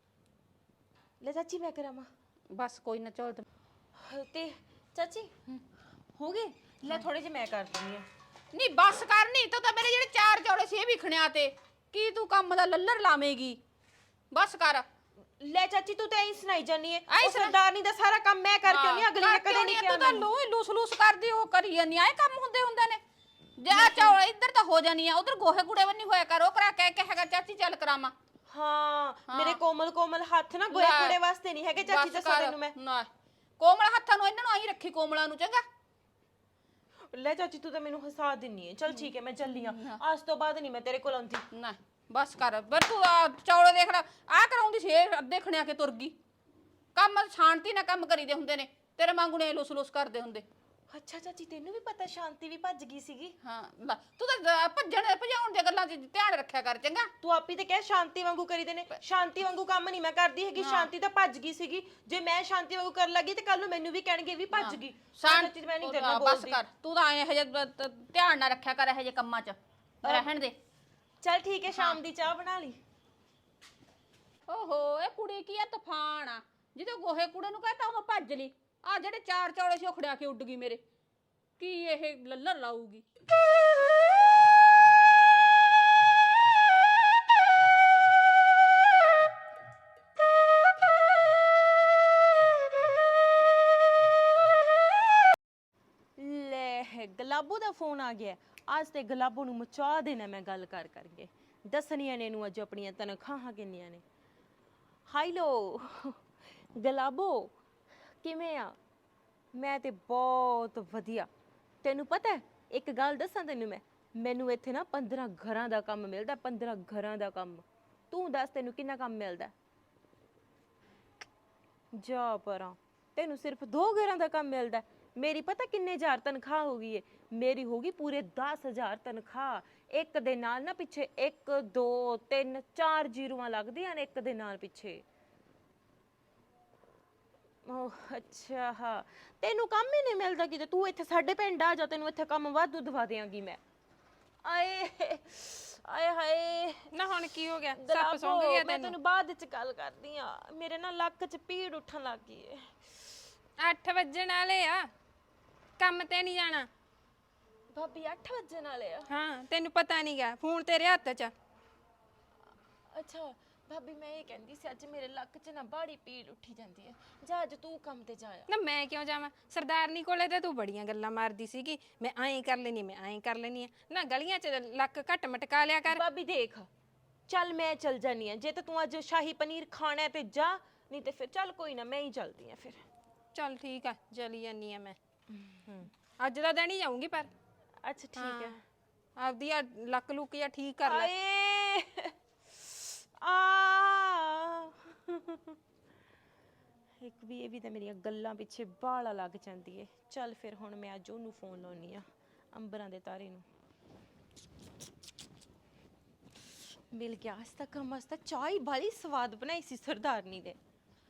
Speaker 3: ਲੈ ਚਾਚੀ ਮੈਂ ਕਰਾਵਾਂ?
Speaker 5: ਬਸ ਕੋਈ ਨਾ, ਚੌਲ
Speaker 3: ਤੇ ਚਾਚੀ ਹੋ ਗਏ? ਲੈ ਥੋੜੇ ਜਿਹੇ ਮੈਂ ਕਰ ਦਿੰਦੀ ਆ।
Speaker 5: ਨਹੀਂ ਬਸ ਕਰ, ਨਹੀਂ ਤਾਂ ਮੇਰੇ ਜਿਹੜੇ 4 ਚੌਲੇ ਸੀ ਇਹ ਵੀ ਖਣਿਆ ਤੇ ਕੀ ਤੂੰ ਕੰਮ ਦਾ ਲੱਲਰ ਲਾਵੇਂਗੀ। ਬਸ ਕਰ।
Speaker 3: ਲੈ ਚਾਚੀ ਤੂੰ ਤਾਂ ਐਂ ਸੁਣਾਈ ਜਾਨੀ ਏ। ਉਹ ਸਰਦਾਰਨੀ ਦਾ ਸਾਰਾ ਕੰਮ ਮੈਂ ਕਰਕੇ ਆਉਣੀ, ਅਗਲੀ ਨੇ ਕਦੇ ਨਹੀਂ ਕਿਹਾ।
Speaker 5: ਤੂੰ ਤਾਂ ਲੂਸ ਕਰਦੀ, ਉਹ ਕਰੀ ਜਾਂਦੀ। ਆਏ ਕੰਮ ਹੁੰਦੇ ਨੇ। ਜਾ ਚੌਲ ਇੱਧਰ ਤਾਂ ਹੋ ਜਾਨੀ ਆ, ਉਧਰ ਗੋਹੇ ਕੂੜੇ ਬੰਨੀ ਹੋਇਆ ਕਰ। ਉਹ ਕਰਾ ਕੇ ਹੈਗਾ ਚਾਚੀ ਚੱਲ ਕਰਾਵਾਂ।
Speaker 3: ਹਾਂ ਮੇਰੇ ਕੋਮਲ ਹੱਥ ਨਾ ਗੋਹੇ ਕੂੜੇ ਵਾਸਤੇ ਨਹੀਂ ਹੈਗੇ ਚਾਚੀ, ਦੱਸਾਂ ਤੈਨੂੰ ਮੈਂ।
Speaker 5: ਨਾ ਕੋਮਲ ਹੱਥਾਂ ਨੂੰ ਇਹਨਾਂ ਨੂੰ ਆਹੀ ਰੱਖੀ, ਕੋਮਲਾਂ ਨੂੰ। ਚੰਗਾ
Speaker 3: ਲੈ ਚਾਚੀ ਤੂੰ ਤਾਂ ਮੈਨੂੰ ਹਸਾ ਦਿੰਨੀ ਏ। ਚਲ ਠੀਕ ਹੈ, ਮੈਂ ਚੱਲੀ ਆ। ਅੱਜ ਤੋਂ ਬਾਅਦ ਨਹੀਂ ਮੈਂ ਤੇਰੇ ਕੋਲ ਆਉਂਦੀ।
Speaker 5: ਨਾ ਬਸ ਕਰ। ਪਰ ਤੂੰ ਚੌਲੇ ਦੇਖ ਲੈ, ਆਹ ਕਰਾਉਂਦੀ ਸੀ ਇਹ ਅੱਧੇ ਖਣਿਆ ਕੇ ਤੁਰ ਗਈ। ਕੰਮ ਸ਼ਾਂਤੀ ਨਾਲ ਕੰਮ ਕਰੀਦੇ ਹੁੰਦੇ ਨੇ, ਤੇਰੇ ਵਾਂਗੂ ਨੇ ਲੁਸ ਕਰਦੇ ਹੁੰਦੇ।
Speaker 3: ਅੱਛਾ ਚਾਚੀ ਤੈਨੂੰ ਵੀ ਪਤਾ ਸ਼ਾਂਤੀ ਵੀ ਭੱਜ ਗਈ ਸੀਗੀ?
Speaker 5: ਹਾਂ ਤੂੰ ਤਾਂ ਭਜਾਉਣ ਦੀਆਂ ਗੱਲਾਂ 'ਚ ਧਿਆਨ ਰੱਖਿਆ ਕਰ। ਚੰਗਾ
Speaker 3: ਤੂੰ ਆਪੀ ਤੇ ਕਹਿ ਸ਼ਾਂਤੀ ਵਾਂਗੂ ਕਰੀਦੇ ਨੇ। ਸ਼ਾਂਤੀ ਵਾਂਗੂ ਕੰਮ ਨਹੀਂ ਮੈਂ ਕਰਦੀ ਹੈਗੀ। ਸ਼ਾਂਤੀ ਤਾਂ ਭੱਜ ਗਈ ਸੀਗੀ। ਜੇ ਮੈਂ ਸ਼ਾਂਤੀ ਵਾਂਗੂ ਕਰਨ ਲੱਗੀ ਤੇ ਕੱਲ ਨੂੰ ਮੈਨੂੰ ਵੀ ਕਹਿਣਗੇ ਵੀ ਭੱਜ ਗਈ। ਚਾਚੀ ਮੈਂ ਨਹੀਂ ਤੇਰੇ ਨਾਲ ਬੋਲਦੀ।
Speaker 5: ਬਸ ਕਰ, ਤੂੰ ਤਾਂ ਇਹੋ ਜਿਹਾ ਧਿਆਨ ਨਾ ਰੱਖਿਆ ਕਰ, ਇਹੋ ਜਿਹੇ ਕੰਮਾਂ 'ਚ ਰਹਿਣ ਦੇ।
Speaker 3: ਚੱਲ ਠੀਕ ਹੈ, ਸ਼ਾਮ ਦੀ ਚਾਹ ਬਣਾ ਲਈ।
Speaker 5: ਓਹੋ ਇਹ ਕੁੜੀ ਕੀ ਆ, ਤੂਫਾਨ ਆ। ਜਦੋਂ ਗੋਹੇ ਕੂੜੇ ਨੂੰ ਕਹਤਾ ਉਹ ਭੱਜ ਲਈ। ਆ ਜਿਹੜੇ 4 ਚੌਲੇ ਸੀ ਉਹ ਖੜਿਆ ਕੇ ਉੱਡ ਗਈ ਮੇਰੇ। ਕੀ ਇਹ ਲੱਲਰ ਲਾਊਗੀ?
Speaker 3: ਲੈ ਗੁਲਾਬੋ ਦਾ ਫੋਨ ਆ ਗਿਆ। ਅੱਜ ਤੇ ਗੁਲਾਬੋ ਨੂੰ ਮਚਾ ਦੇਣਾ ਮੈਂ ਗੱਲ ਕਰਕੇ। ਦੱਸਣੀਆਂ ਨੇ ਇਹਨੂੰ ਅੱਜ ਆਪਣੀਆਂ ਤਨਖਾਹਾਂ ਕਿੰਨੀਆਂ ਨੇ। ਹਾਈਲੋ ਗੁਲਾਬੋ ਕਿਵੇਂ ਆ? ਮੈਂ ਤੇ ਬਹੁਤ ਵਧੀਆ। ਤੈਨੂੰ ਪਤਾ ਇੱਕ ਗੱਲ ਦੱਸਾਂ ਤੈਨੂੰ, ਮੈਨੂੰ ਇੱਥੇ ਨਾ 15 ਘਰਾਂ ਦਾ ਕੰਮ ਮਿਲਦਾ। 15 ਘਰਾਂ ਦਾ ਕੰਮ। ਤੂੰ ਦੱਸ ਤੈਨੂੰ ਕਿੰਨਾ ਕੰਮ ਮਿਲਦਾ? ਜਾ ਪਰਾਂ, ਤੈਨੂੰ ਸਿਰਫ 2 ਘਰਾਂ ਦਾ ਕੰਮ ਮਿਲਦਾ। ਮੇਰੀ ਪਤਾ ਕਿੰਨੇ ਹਜ਼ਾਰ ਤਨਖਾਹ ਹੋ ਗਈ ਏ? ਮੇਰੀ ਹੋ ਗਈ ਪੂਰੇ 10,000 ਤਨਖਾਹ। ਇੱਕ ਦੇ ਨਾਲ ਨਾ ਪਿੱਛੇ 1 2 3 4 ਜ਼ੀਰੋਆਂ ਲੱਗਦੀਆਂ ਨੇ ਇੱਕ ਦੇ ਨਾਲ ਪਿੱਛੇ। ਓਹ ਅੱਛਾ, ਹਾਂ ਤੈਨੂੰ ਕੰਮ ਹੀ ਨਹੀਂ ਮਿਲਦਾ ਕਿਤੇ। ਤੂੰ ਇੱਥੇ ਸਾਡੇ ਪਿੰਡ ਆ ਜਾ, ਤੈਨੂੰ ਇੱਥੇ ਕੰਮ ਵਾਧੂ ਦਵਾ ਦਿਆਂਗੀ ਮੈਂ। ਆਏ ਆਏ ਹਾਏ
Speaker 4: ਨਾ ਹੁਣ ਕੀ ਹੋ ਗਿਆ?
Speaker 3: ਸੱਪ ਸੌਂ ਗਿਆ। ਮੈਂ ਤੈਨੂੰ ਬਾਅਦ ਵਿੱਚ ਗੱਲ ਕਰਦੀ ਆ। ਮੇਰੇ ਨਾਲ ਲੱਕ 'ਚ ਪੀੜ ਉੱਠਣ ਲੱਗ ਗਈ ਏ।
Speaker 4: 8 ਵੱਜਣ ਵਾਲੇ ਆ, ਕੰਮ ਤੇ ਨਹੀਂ ਜਾਣਾ?
Speaker 3: ਭਾਬੀ 8 ਵਜਣ ਵਾਲੇ ਆ।
Speaker 5: ਹਾਂ ਤੈਨੂੰ ਪਤਾ ਨਹੀਂਗਾ ਫੋਨ ਤੇਰੇ ਹੱਥ 'ਚ ਆ।
Speaker 3: ਅੱਛਾ ਭਾਬੀ ਮੈਂ ਇਹ ਕਹਿੰਦੀ ਸੀ ਅੱਜ ਮੇਰੇ ਲੱਕ 'ਚ ਨਾ ਬਾੜੀ ਪੀੜ ਉੱਠੀ ਜਾਂਦੀ ਹੈ, ਜਾ ਅੱਜ ਤੂੰ ਕੰਮ ਤੇ ਜਾ ਆ।
Speaker 5: ਨਾ ਮੈਂ ਕਿਉਂ ਜਾਵਾਂ? ਸਰਦਾਰਨੀ ਕੋਲੇ ਤੇ ਤੂੰ ਬੜੀਆਂ ਗੱਲਾਂ ਮਾਰਦੀ ਸੀਗੀ, ਮੈਂ ਐਂ ਕਰ ਲੈਣੀ ਮੈਂ ਐਂ ਕਰ ਲੈਣੀ ਆ। ਨਾ ਗਲੀਆਂ 'ਚ ਲੱਕ ਘੱਟ ਮਟਕਾ ਲਿਆ ਕਰ।
Speaker 3: ਭਾਬੀ ਦੇਖ ਚੱਲ ਮੈਂ ਚੱਲ ਜਾਨੀ ਆ, ਜੇ ਤਾਂ ਤੂੰ ਅੱਜ ਸ਼ਾਹੀ ਪਨੀਰ ਖਾਣਾ ਹੈ ਤੇ ਜਾ, ਨਹੀਂ ਤੇ ਫਿਰ ਚੱਲ ਕੋਈ ਨਾ ਮੈਂ ਹੀ ਚੱਲਦੀ ਆ ਫਿਰ।
Speaker 5: ਚੱਲ ਠੀਕ ਆ ਚਲੀ ਜਾਨੀ ਆ ਮੈਂ। ਅੱਜ ਦਾ ਦਿਨ ਹੀ ਜਾਊਂਗੀ ਪਰ।
Speaker 3: ਅੱਛਾ ਠੀਕ ਹੈ।
Speaker 5: ਆਪਦੀ ਆ ਲੱਕ ਲੁੱਕ ਜਾਂ ਠੀਕ ਕਰ ਲੈ।
Speaker 3: ਆਏ ਆ ਇੱਕ ਵੀ ਇਹ ਵੀ ਤਾਂ ਮੇਰੀਆਂ ਗੱਲਾਂ ਪਿੱਛੇ ਬਾਲਾ ਲੱਗ ਜਾਂਦੀ ਏ। ਚੱਲ ਫਿਰ ਹੁਣ ਮੈਂ ਅੱਜ ਉਹਨੂੰ ਫੋਨ ਲਾਉਣੀ ਆ, ਅੰਬਰਾਂ ਦੇ ਤਾਰੇ ਨੂੰ। ਮਿਲ ਗਿਆ ਅੱਜ ਤੱਕ ਮਸਤ ਚਾਹ ਹੀ ਬਾਲੀ ਸਵਾਦ ਬਣਾਈ ਸੀ ਸਰਦਾਰਨੀ ਨੇ।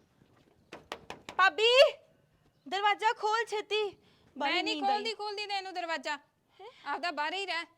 Speaker 3: ਭਾਬੀ ਦਰਵਾਜ਼ਾ ਖੋਲ ਛੇਤੀ।
Speaker 5: ਮੈਂ ਨਹੀਂ ਖੋਲਦੀ ਤੈਨੂੰ ਦਰਵਾਜ਼ਾ, ਆਪਦਾ ਬਾਹਰ ਹੀ ਰਹਿ।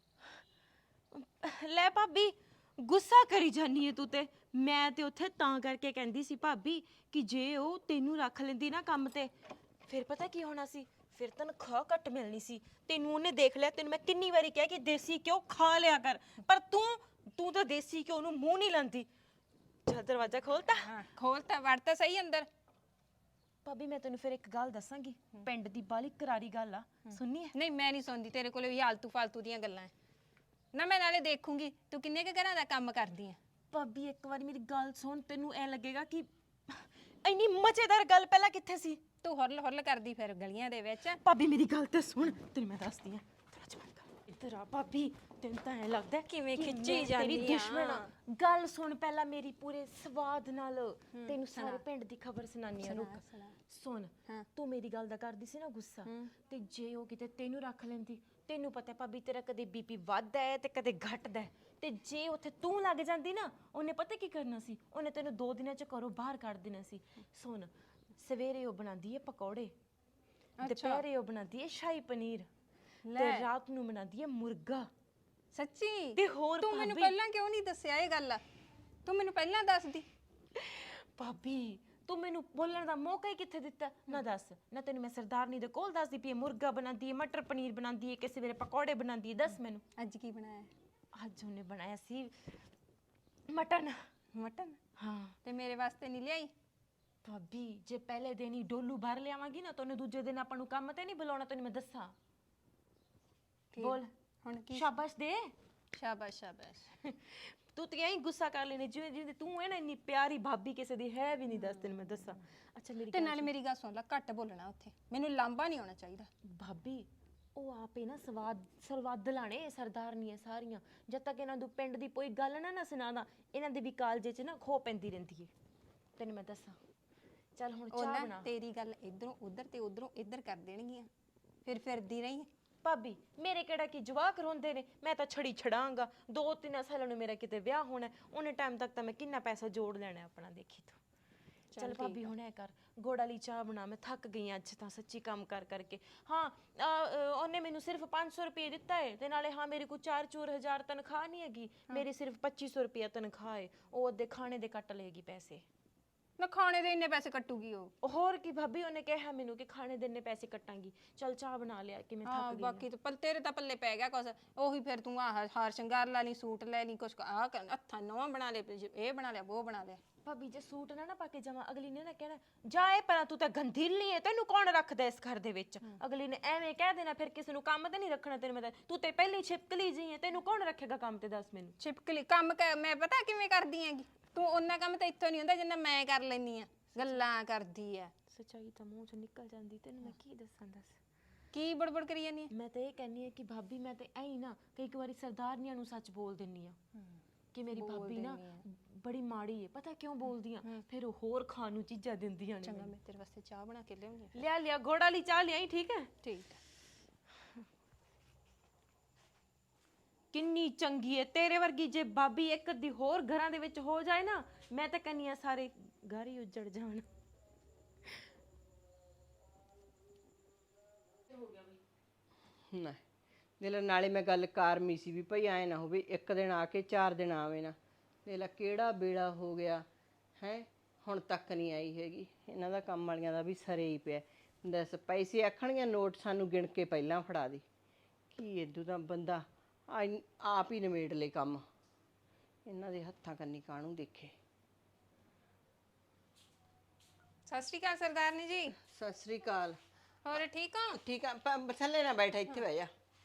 Speaker 3: ਲੈ ਭਾਬੀ ਗੁੱਸਾ ਕਰੀ ਜਾਨੀ ਏ ਤੂੰ ਤੇ। ਮੈਂ ਤੇ ਉੱਥੇ ਤਾਂ ਕਰਕੇ ਕਹਿੰਦੀ ਸੀ ਭਾਬੀ ਕਿ ਜੇ ਉਹ ਤੈਨੂੰ ਰੱਖ ਲੈਂਦੀ ਨਾ ਕੰਮ ਤੇ ਫਿਰ ਪਤਾ ਕੀ ਹੋਣਾ ਸੀ, ਫਿਰ ਤਨਖਾਹ ਘੱਟ ਮਿਲਣੀ ਸੀ। ਤੈਨੂੰ ਉਹਨੇ ਦੇਖ ਲਿਆ, ਤੈਨੂੰ ਮੈਂ ਕਿੰਨੀ ਵਾਰੀ ਕਿਹਾ ਕਿ ਦੇਸੀ ਘਿਓ ਖਾ ਲਿਆ ਕਰ, ਪਰ ਤੂੰ ਤਾਂ ਦੇਸੀ ਘਿਓ ਨੂੰ ਮੂੰਹ ਨਹੀਂ ਲਾਂਦੀ। ਚੱਲ ਦਰਵਾਜ਼ਾ ਖੋਲਤਾ।
Speaker 5: ਹਾਂ ਖੋਲਤਾ, ਵੜ ਤਾਂ ਸਹੀ ਅੰਦਰ।
Speaker 3: ਭਾਬੀ ਮੈਂ ਤੈਨੂੰ ਫਿਰ ਇੱਕ ਗੱਲ ਦੱਸਾਂਗੀ, ਪਿੰਡ ਦੀ ਬਾਲੀ ਕਰਾਰੀ ਗੱਲ ਆ, ਸੁਣਨੀ ਹੈ?
Speaker 5: ਨਹੀਂ ਮੈਂ ਨਹੀਂ ਸੁਣਦੀ, ਤੇਰੇ ਕੋਲੇ ਵੀ ਆਲਤੂ ਫਾਲਤੂ ਦੀਆਂ ਗੱਲਾਂ ਐ। ਨਾ ਮੈਂ ਨਾਲੇ ਦੇਖੂੰਗੀ ਤੂੰ ਕਿੰਨੇ ਕੁ ਘਰਾਂ ਦਾ ਕੰਮ ਕਰਦੀ ਆ।
Speaker 3: ਭਾਬੀ ਇੱਕ ਵਾਰੀ ਮੇਰੀ ਗੱਲ ਸੁਣ, ਤੈਨੂੰ ਐ ਲੱਗੇਗਾ ਕਿ ਇੰਨੀ ਮਜ਼ੇਦਾਰ ਗੱਲ ਪਹਿਲਾਂ ਕਿੱਥੇ ਸੀ।
Speaker 5: ਤੂੰ ਹੁਰਲ ਹੁਰਲ ਕਰਦੀ ਫਿਰ ਗਲੀਆਂ ਦੇ ਵਿੱਚ।
Speaker 3: ਭਾਬੀ ਮੇਰੀ ਗੱਲ ਤੇ ਸੁਣ, ਤੈਨੂੰ ਮੈਂ ਦੱਸਦੀ ਆ। ਇੱਧਰ ਆ ਭਾਬੀ, ਤੈਨੂੰ ਤਾਂ ਐ ਲੱਗਦਾ
Speaker 5: ਕਿਵੇਂ
Speaker 3: ਕਿ
Speaker 5: ਖਿੱਚੀ
Speaker 3: ਮੈਂ
Speaker 5: ਜਾਂਦੀ
Speaker 3: ਤੇਰੀ ਦੁਸ਼ਮਣ ਆ। ਗੱਲ ਸੁਣ ਪਹਿਲਾਂ ਮੇਰੀ ਪੂਰੇ ਸਵਾਦ ਨਾਲ, ਤੈਨੂੰ ਸਾਰੇ ਪਿੰਡ ਦੀ ਖਬਰ ਸੁਣਾਨੀ ਆ। ਰੁਕ ਸੁਣ, ਤੂੰ ਮੇਰੀ ਗੱਲ ਦਾ ਕਰਦੀ ਸੀ ਨਾ ਗੁੱਸਾ, ਤੇ ਜੇ ਉਹ ਕਿਤੇ ਤੈਨੂੰ ਰੱਖ ਲੈਂਦੀ, ਤੈਨੂੰ ਪਤਾ ਭਾਬੀ ਤੇਰਾ ਕਦੇ ਬੀਪੀ ਵੱਧਦਾ ਹੈ ਤੇ ਕਦੇ ਘਟਦਾ ਹੈ, ਤੇ ਜੇ ਉੱਥੇ ਤੂੰ ਲੱਗ ਜਾਂਦੀ ਨਾ, ਉਹਨੇ ਪਤਾ ਕੀ ਕਰਨਾ ਸੀ, ਉਹਨੇ ਤੈਨੂੰ 2 ਦਿਨਾਂ ਚ ਘਰੋਂ ਬਾਹਰ ਕੱਢ ਦੇਣਾ ਸੀ। ਸੁਣ, ਸਵੇਰੇ ਉਹ ਬਣਾਉਂਦੀ ਹੈ ਪਕੌੜੇ, ਦੁਪਹਿਰੇ ਉਹ ਬਣਾਉਂਦੀ ਹੈ ਸ਼ਾਹੀ ਪਨੀਰ, ਤੇ ਰਾਤ ਨੂੰ ਬਣਾਉਂਦੀ ਹੈ ਮੁਰਗਾ।
Speaker 5: ਸੱਚੀ?
Speaker 3: ਤੇ ਹੋਰ
Speaker 5: ਤੂੰ ਮੈਨੂੰ ਪਹਿਲਾਂ ਕਿਉਂ ਨਹੀਂ ਦੱਸਿਆ ਇਹ ਗੱਲ? ਤੂੰ ਮੈਨੂੰ ਪਹਿਲਾਂ ਦੱਸਦੀ।
Speaker 3: ਭਾਬੀ ਤੂੰ ਮੈਨੂੰ ਬੋਲਣ ਦਾ ਮੌਕਾ ਹੀ ਕਿੱਥੇ ਦਿੱਤਾ? ਨਾ ਦੱਸ, ਨਾ ਤੈਨੂੰ ਮੈਂ ਸਰਦਾਰਨੀ ਦੇ ਕੋਲ ਦੱਸਦੀ ਪਈ ਮੁਰਗਾ ਬਣਾਉਂਦੀ ਹੈ, ਮਟਰ ਪਨੀਰ ਬਣਾਉਂਦੀ ਹੈ, ਕਿਸੇ ਵੇਲੇ ਪਕੌੜੇ ਬਣਾਉਂਦੀ ਹੈ। ਦੱਸ ਮੈਨੂੰ
Speaker 5: ਅੱਜ ਕੀ ਬਣਾਇਆ?
Speaker 3: ਅੱਜ ਉਹਨੇ ਬਣਾਇਆ ਸੀ ਮਟਨ।
Speaker 5: ਮਟਨ?
Speaker 3: ਹਾਂ।
Speaker 5: ਤੇ ਮੇਰੇ ਵਾਸਤੇ ਨਹੀਂ ਲਿਆਈ?
Speaker 3: ਭਾਬੀ ਜੇ ਪਹਿਲੇ ਦਿਨ ਹੀ ਡੋਲੂ ਭਰ ਲਿਆਵਾਂਗੀ ਨਾ, ਤਾਂ ਉਹਨੇ ਦੂਜੇ ਦਿਨ ਆਪਾਂ ਨੂੰ ਕੰਮ ਤੇ ਨਹੀਂ ਬੁਲਾਉਣਾ। ਤੈਨੂੰ ਮੈਂ ਦੱਸਾਂ। ਬੋਲ
Speaker 5: ਹੁਣ ਕੀ?
Speaker 3: ਸ਼ਾਬਾਸ਼ ਦੇ।
Speaker 5: ਸ਼ਾਬਾਸ਼ ਸ਼ਾਬਾਸ਼।
Speaker 3: ਤੂੰ ਤੇ ਐਂ ਗੁੱਸਾ ਕਰ ਲੈਣੀ ਜਿਵੇਂ ਜਿਵੇਂ ਤੂੰ ਹੈ ਨਾ, ਇੰਨੀ ਪਿਆਰੀ ਭਾਬੀ ਕਿਸੇ ਦੀ ਹੈ ਵੀ ਨਹੀਂ। ਦੱਸ ਤੈਨੂੰ ਮੈਂ ਦੱਸਾਂ। ਅੱਛਾ ਮੇਰੀ
Speaker 5: ਤੇ ਨਾਲੇ ਮੇਰੀ ਗੱਲ ਸੁਣ ਲੈ, ਘੱਟ ਬੋਲਣਾ ਉੱਥੇ, ਮੈਨੂੰ ਲਾਂਭਾ ਨਹੀਂ ਆਉਣਾ ਚਾਹੀਦਾ।
Speaker 3: ਭਾਬੀ ਉਹ ਆਪੇ ਨਾ ਸਵਾਦ ਲਾਣੇ ਸਰਦਾਰਨੀਆਂ ਸਾਰੀਆਂ। ਜਦ ਤੱਕ ਇਹਨਾਂ ਨੂੰ ਪਿੰਡ ਦੀ ਕੋਈ ਗੱਲ ਨਾ ਸੁਣਾਦਾ, ਇਹਨਾਂ ਦੇ ਵੀ ਕਾਲਜੇ 'ਚ ਨਾ ਖੋ ਪੈਂਦੀ ਰਹਿੰਦੀ ਹੈ। ਤੈਨੂੰ ਮੈਂ ਦੱਸਾਂ। ਚੱਲ ਹੁਣ ਚਾਹ ਬਣਾ।
Speaker 5: ਤੇਰੀ ਗੱਲ ਇਧਰੋਂ ਉਧਰ ਤੇ ਉਧਰੋਂ ਇੱਧਰ ਕਰ ਦੇਣਗੀਆਂ, ਫਿਰ ਫਿਰਦੀ ਰਹੀ।
Speaker 3: ਭਾਬੀ ਮੇਰੇ ਕਿਹੜਾ ਕੀ ਜਵਾਕ ਰੋਂਦੇ ਨੇ, ਮੈਂ ਤਾਂ ਛੜੀ ਛੜਾਂਗਾ। 2-3 ਸਾਲਾਂ ਨੂੰ ਮੇਰਾ ਕਿਤੇ ਵਿਆਹ ਹੋਣਾ, ਉਹਨੇ ਟਾਈਮ ਤੱਕ ਤਾਂ ਮੈਂ ਕਿੰਨਾ ਪੈਸਾ ਜੋੜ ਲੈਣਾ ਆਪਣਾ, ਦੇਖੀ ਤੂੰ। ਚੱਲ ਭਾਬੀ ਹੁਣ ਐ ਕਰ, ਗੁੜ ਵਾਲੀ ਚਾਹ ਬਣਾ। ਮੈਂ ਥੱਕ ਗਈ ਅੱਜ ਤਾਂ ਸੱਚੀ ਕੰਮ ਕਰ ਕਰਕੇ। ਹਾਂ ਉਹਨੇ ਮੈਨੂੰ ਸਿਰਫ 500 ਰੁਪਏ ਦਿੱਤਾ ਹੈ, ਤੇ ਨਾਲੇ ਹਾਂ ਮੇਰੇ ਕੋਲ 4-4 ਹਜ਼ਾਰ ਤਨਖਾਹ ਨਹੀਂ ਹੈਗੀ, ਮੇਰੀ ਸਿਰਫ 2500 ਰੁਪਇਆ ਤਨਖਾਹ ਹੈ। ਉਹ ਅੱਧੇ ਖਾਣੇ ਦੇ ਕੱਟ ਲਏਗੀ ਪੈਸੇ।
Speaker 5: ਨਾ ਖਾਣੇ ਦੇ ਇੰਨੇ ਪੈਸੇ ਕੱਟੂਗੀ ਉਹ?
Speaker 3: ਹੋਰ ਕੀ ਭਾਬੀ, ਉਹਨੇ ਕਿਹਾ ਮੈਨੂੰ ਕਿ ਖਾਣੇ ਦੇ ਇੰਨੇ ਪੈਸੇ ਕੱਟਾਂਗੀ। ਚੱਲ ਚਾਹ ਬਣਾ ਲਿਆ ਕਿ ਮੈਂ ਥੱਕ ਗਈ।
Speaker 5: ਬਾਕੀ ਤਾਂ ਤੇਰੇ ਤਾਂ ਪੱਲੇ ਪੈ ਗਿਆ ਕੁਛ ਉਹੀ। ਫਿਰ ਤੂੰ ਆਹ ਹਾਰ ਸ਼ਿੰਗਾਰ ਲਾ ਲਈ, ਸੂਟ ਲੈ ਲਈ, ਕੁਛ ਆਹ ਹੱਥਾਂ ਨਵਾਂ ਬਣਾ ਲਿਆ, ਇਹ ਬਣਾ ਲਿਆ, ਉਹ ਬਣਾ ਲਿਆ।
Speaker 3: ਭਾਬੀ ਜੇ ਸੂਟ ਨਾ ਪਾ ਕੇ ਜਾਵਾਂ, ਅਗਲੀ ਨੇ ਨਾ ਕਹਿਣਾ ਜਾਏ ਪਰ ਤੂੰ ਤਾਂ ਗੰਧੀਲੀ ਹੈ, ਤੈਨੂੰ ਕੌਣ ਰੱਖਦਾ ਇਸ ਘਰ ਦੇ ਵਿੱਚ। ਅਗਲੀ ਨੇ ਐਵੇਂ ਕਹਿ ਦੇਣਾ, ਫਿਰ ਕਿਸੇ ਨੂੰ ਕੰਮ ਤੇ ਨਹੀਂ ਰੱਖਣਾ। ਤੈਨੂੰ ਮੈਂ ਤੂੰ ਤੇ ਪਹਿਲੀ ਛਿਪਕਲੀ ਜੀ ਹੈ, ਤੈਨੂੰ ਕੌਣ ਰੱਖੇਗਾ ਕੰਮ ਤੇ? ਦੱਸ ਮੈਨੂੰ।
Speaker 5: ਛਿਪਕਲੀ ਕੰਮ ਮੈਂ ਪਤਾ ਕਿਵੇਂ ਕਰਦੀ ਹੈਗੀ? ਤੂੰ ਉਹਨਾਂ ਕੰਮ ਤਾਂ ਇੱਥੋਂ ਨਹੀਂ ਹੁੰਦਾ ਜਿੰਨਾ ਮੈਂ ਕਰ ਲੈਨੀ ਆ। ਗੱਲਾਂ ਕਰਦੀ ਆ।
Speaker 3: ਸੱਚਾਈ ਤਾਂ ਮੂੰਹ ਚੋਂ ਨਿਕਲ ਜਾਂਦੀ, ਤੈਨੂੰ ਮੈਂ ਕੀ ਦੱਸਾਂ। ਦੱਸ
Speaker 5: ਕੀ ਬੜਬੜ ਕਰੀ ਜਾਨੀ ਆ?
Speaker 3: ਮੈਂ ਤਾਂ ਇਹ ਕਹਿੰਨੀ ਆ ਕਿ ਭਾਬੀ ਮੈਂ ਤੇ ਐਂ ਨਾ ਕਈ ਵਾਰੀ ਸਰਦਾਰਨੀਆਂ ਨੂੰ ਸੱਚ ਬੋਲ ਦਿੰਨੀ ਆ ਕਿ ਮੇਰੀ ਭਾਬੀ ਨਾ ਬੜੀ ਮਾੜੀ ਹੈ। ਪਤਾ ਕਿਉਂ ਬੋਲਦੀ ਆ? ਫਿਰ ਉਹ ਹੋਰ ਖਾਣ ਨੂੰ ਚੀਜ਼ਾਂ ਦਿੰਦੀਆਂ ਨੇ।
Speaker 5: ਚੰਗਾ ਮੈਂ ਤੇਰੇ ਵਾਸਤੇ ਚਾਹ ਬਣਾ ਕੇ ਲਿਆਉਂਗੀ।
Speaker 3: ਲਿਆ ਗੁੜ ਵਾਲੀ ਚਾਹ ਲਿਆਈ, ਠੀਕ ਹੈ?
Speaker 5: ਠੀਕ।
Speaker 3: ਕਿੰਨੀ ਚੰਗੀ ਹੈ ਤੇਰੇ ਵਰਗੀ। ਜੇ ਭਾਬੀ ਇੱਕ ਅੱਧੀ ਹੋਰ ਘਰਾਂ ਦੇ ਵਿੱਚ ਹੋ ਜਾਏ ਨਾ, ਮੈਂ ਤਾਂ ਕਹਿੰਨੀ ਆ ਸਾਰੇ ਘਰ ਹੀ ਉੱਜੜ ਜਾਣ।
Speaker 2: ਨਾ ਦਿਲ ਨਾਲੇ ਮੈਂ ਗੱਲ ਕਾਰਮੀ ਸੀ ਵੀ ਭਈ ਐ ਨਾ ਹੋਵੇ ਇੱਕ ਦਿਨ ਆ ਕੇ 4 ਦਿਨ ਆਵੇ ਨਾ। ਦੇਖ ਲੈ ਕਿਹੜਾ ਵੇਲਾ ਹੋ ਗਿਆ ਹੈ, ਹੁਣ ਤੱਕ ਨਹੀਂ ਆਈ ਹੈਗੀ। ਇਹਨਾਂ ਦਾ ਕੰਮ ਵਾਲੀਆਂ ਦਾ ਵੀ ਸਰੇ ਹੀ ਪਿਆ। ਦੱਸ ਪੈਸੇ ਆਖਣਗੀਆਂ ਨੋਟ ਸਾਨੂੰ ਗਿਣ ਕੇ ਪਹਿਲਾਂ ਫੜਾ ਦੇ, ਕੀ ਇਦੋਂ ਦਾ ਬੰਦਾ ਆਪ ਹੀ ਨਿਮੇੜ ਲੈ ਕੰਮ। ਇਹਨਾਂ ਦੇ ਹੱਥਾਂ ਕੰਨੀ ਕਾਹਨੂੰ ਦੇਖੇ।
Speaker 4: ਸਤਿ ਸ਼੍ਰੀ ਅਕਾਲ ਸਰਦਾਰਨੀ ਜੀ।
Speaker 2: ਸਤਿ ਸ੍ਰੀ ਅਕਾਲ।
Speaker 4: ਹੋਰ ਠੀਕ ਹੋ?
Speaker 2: ਠੀਕ ਆ, ਥੱਲੇ ਨਾ ਬੈਠਾ, ਇੱਥੇ ਬਹਿ ਜਾ।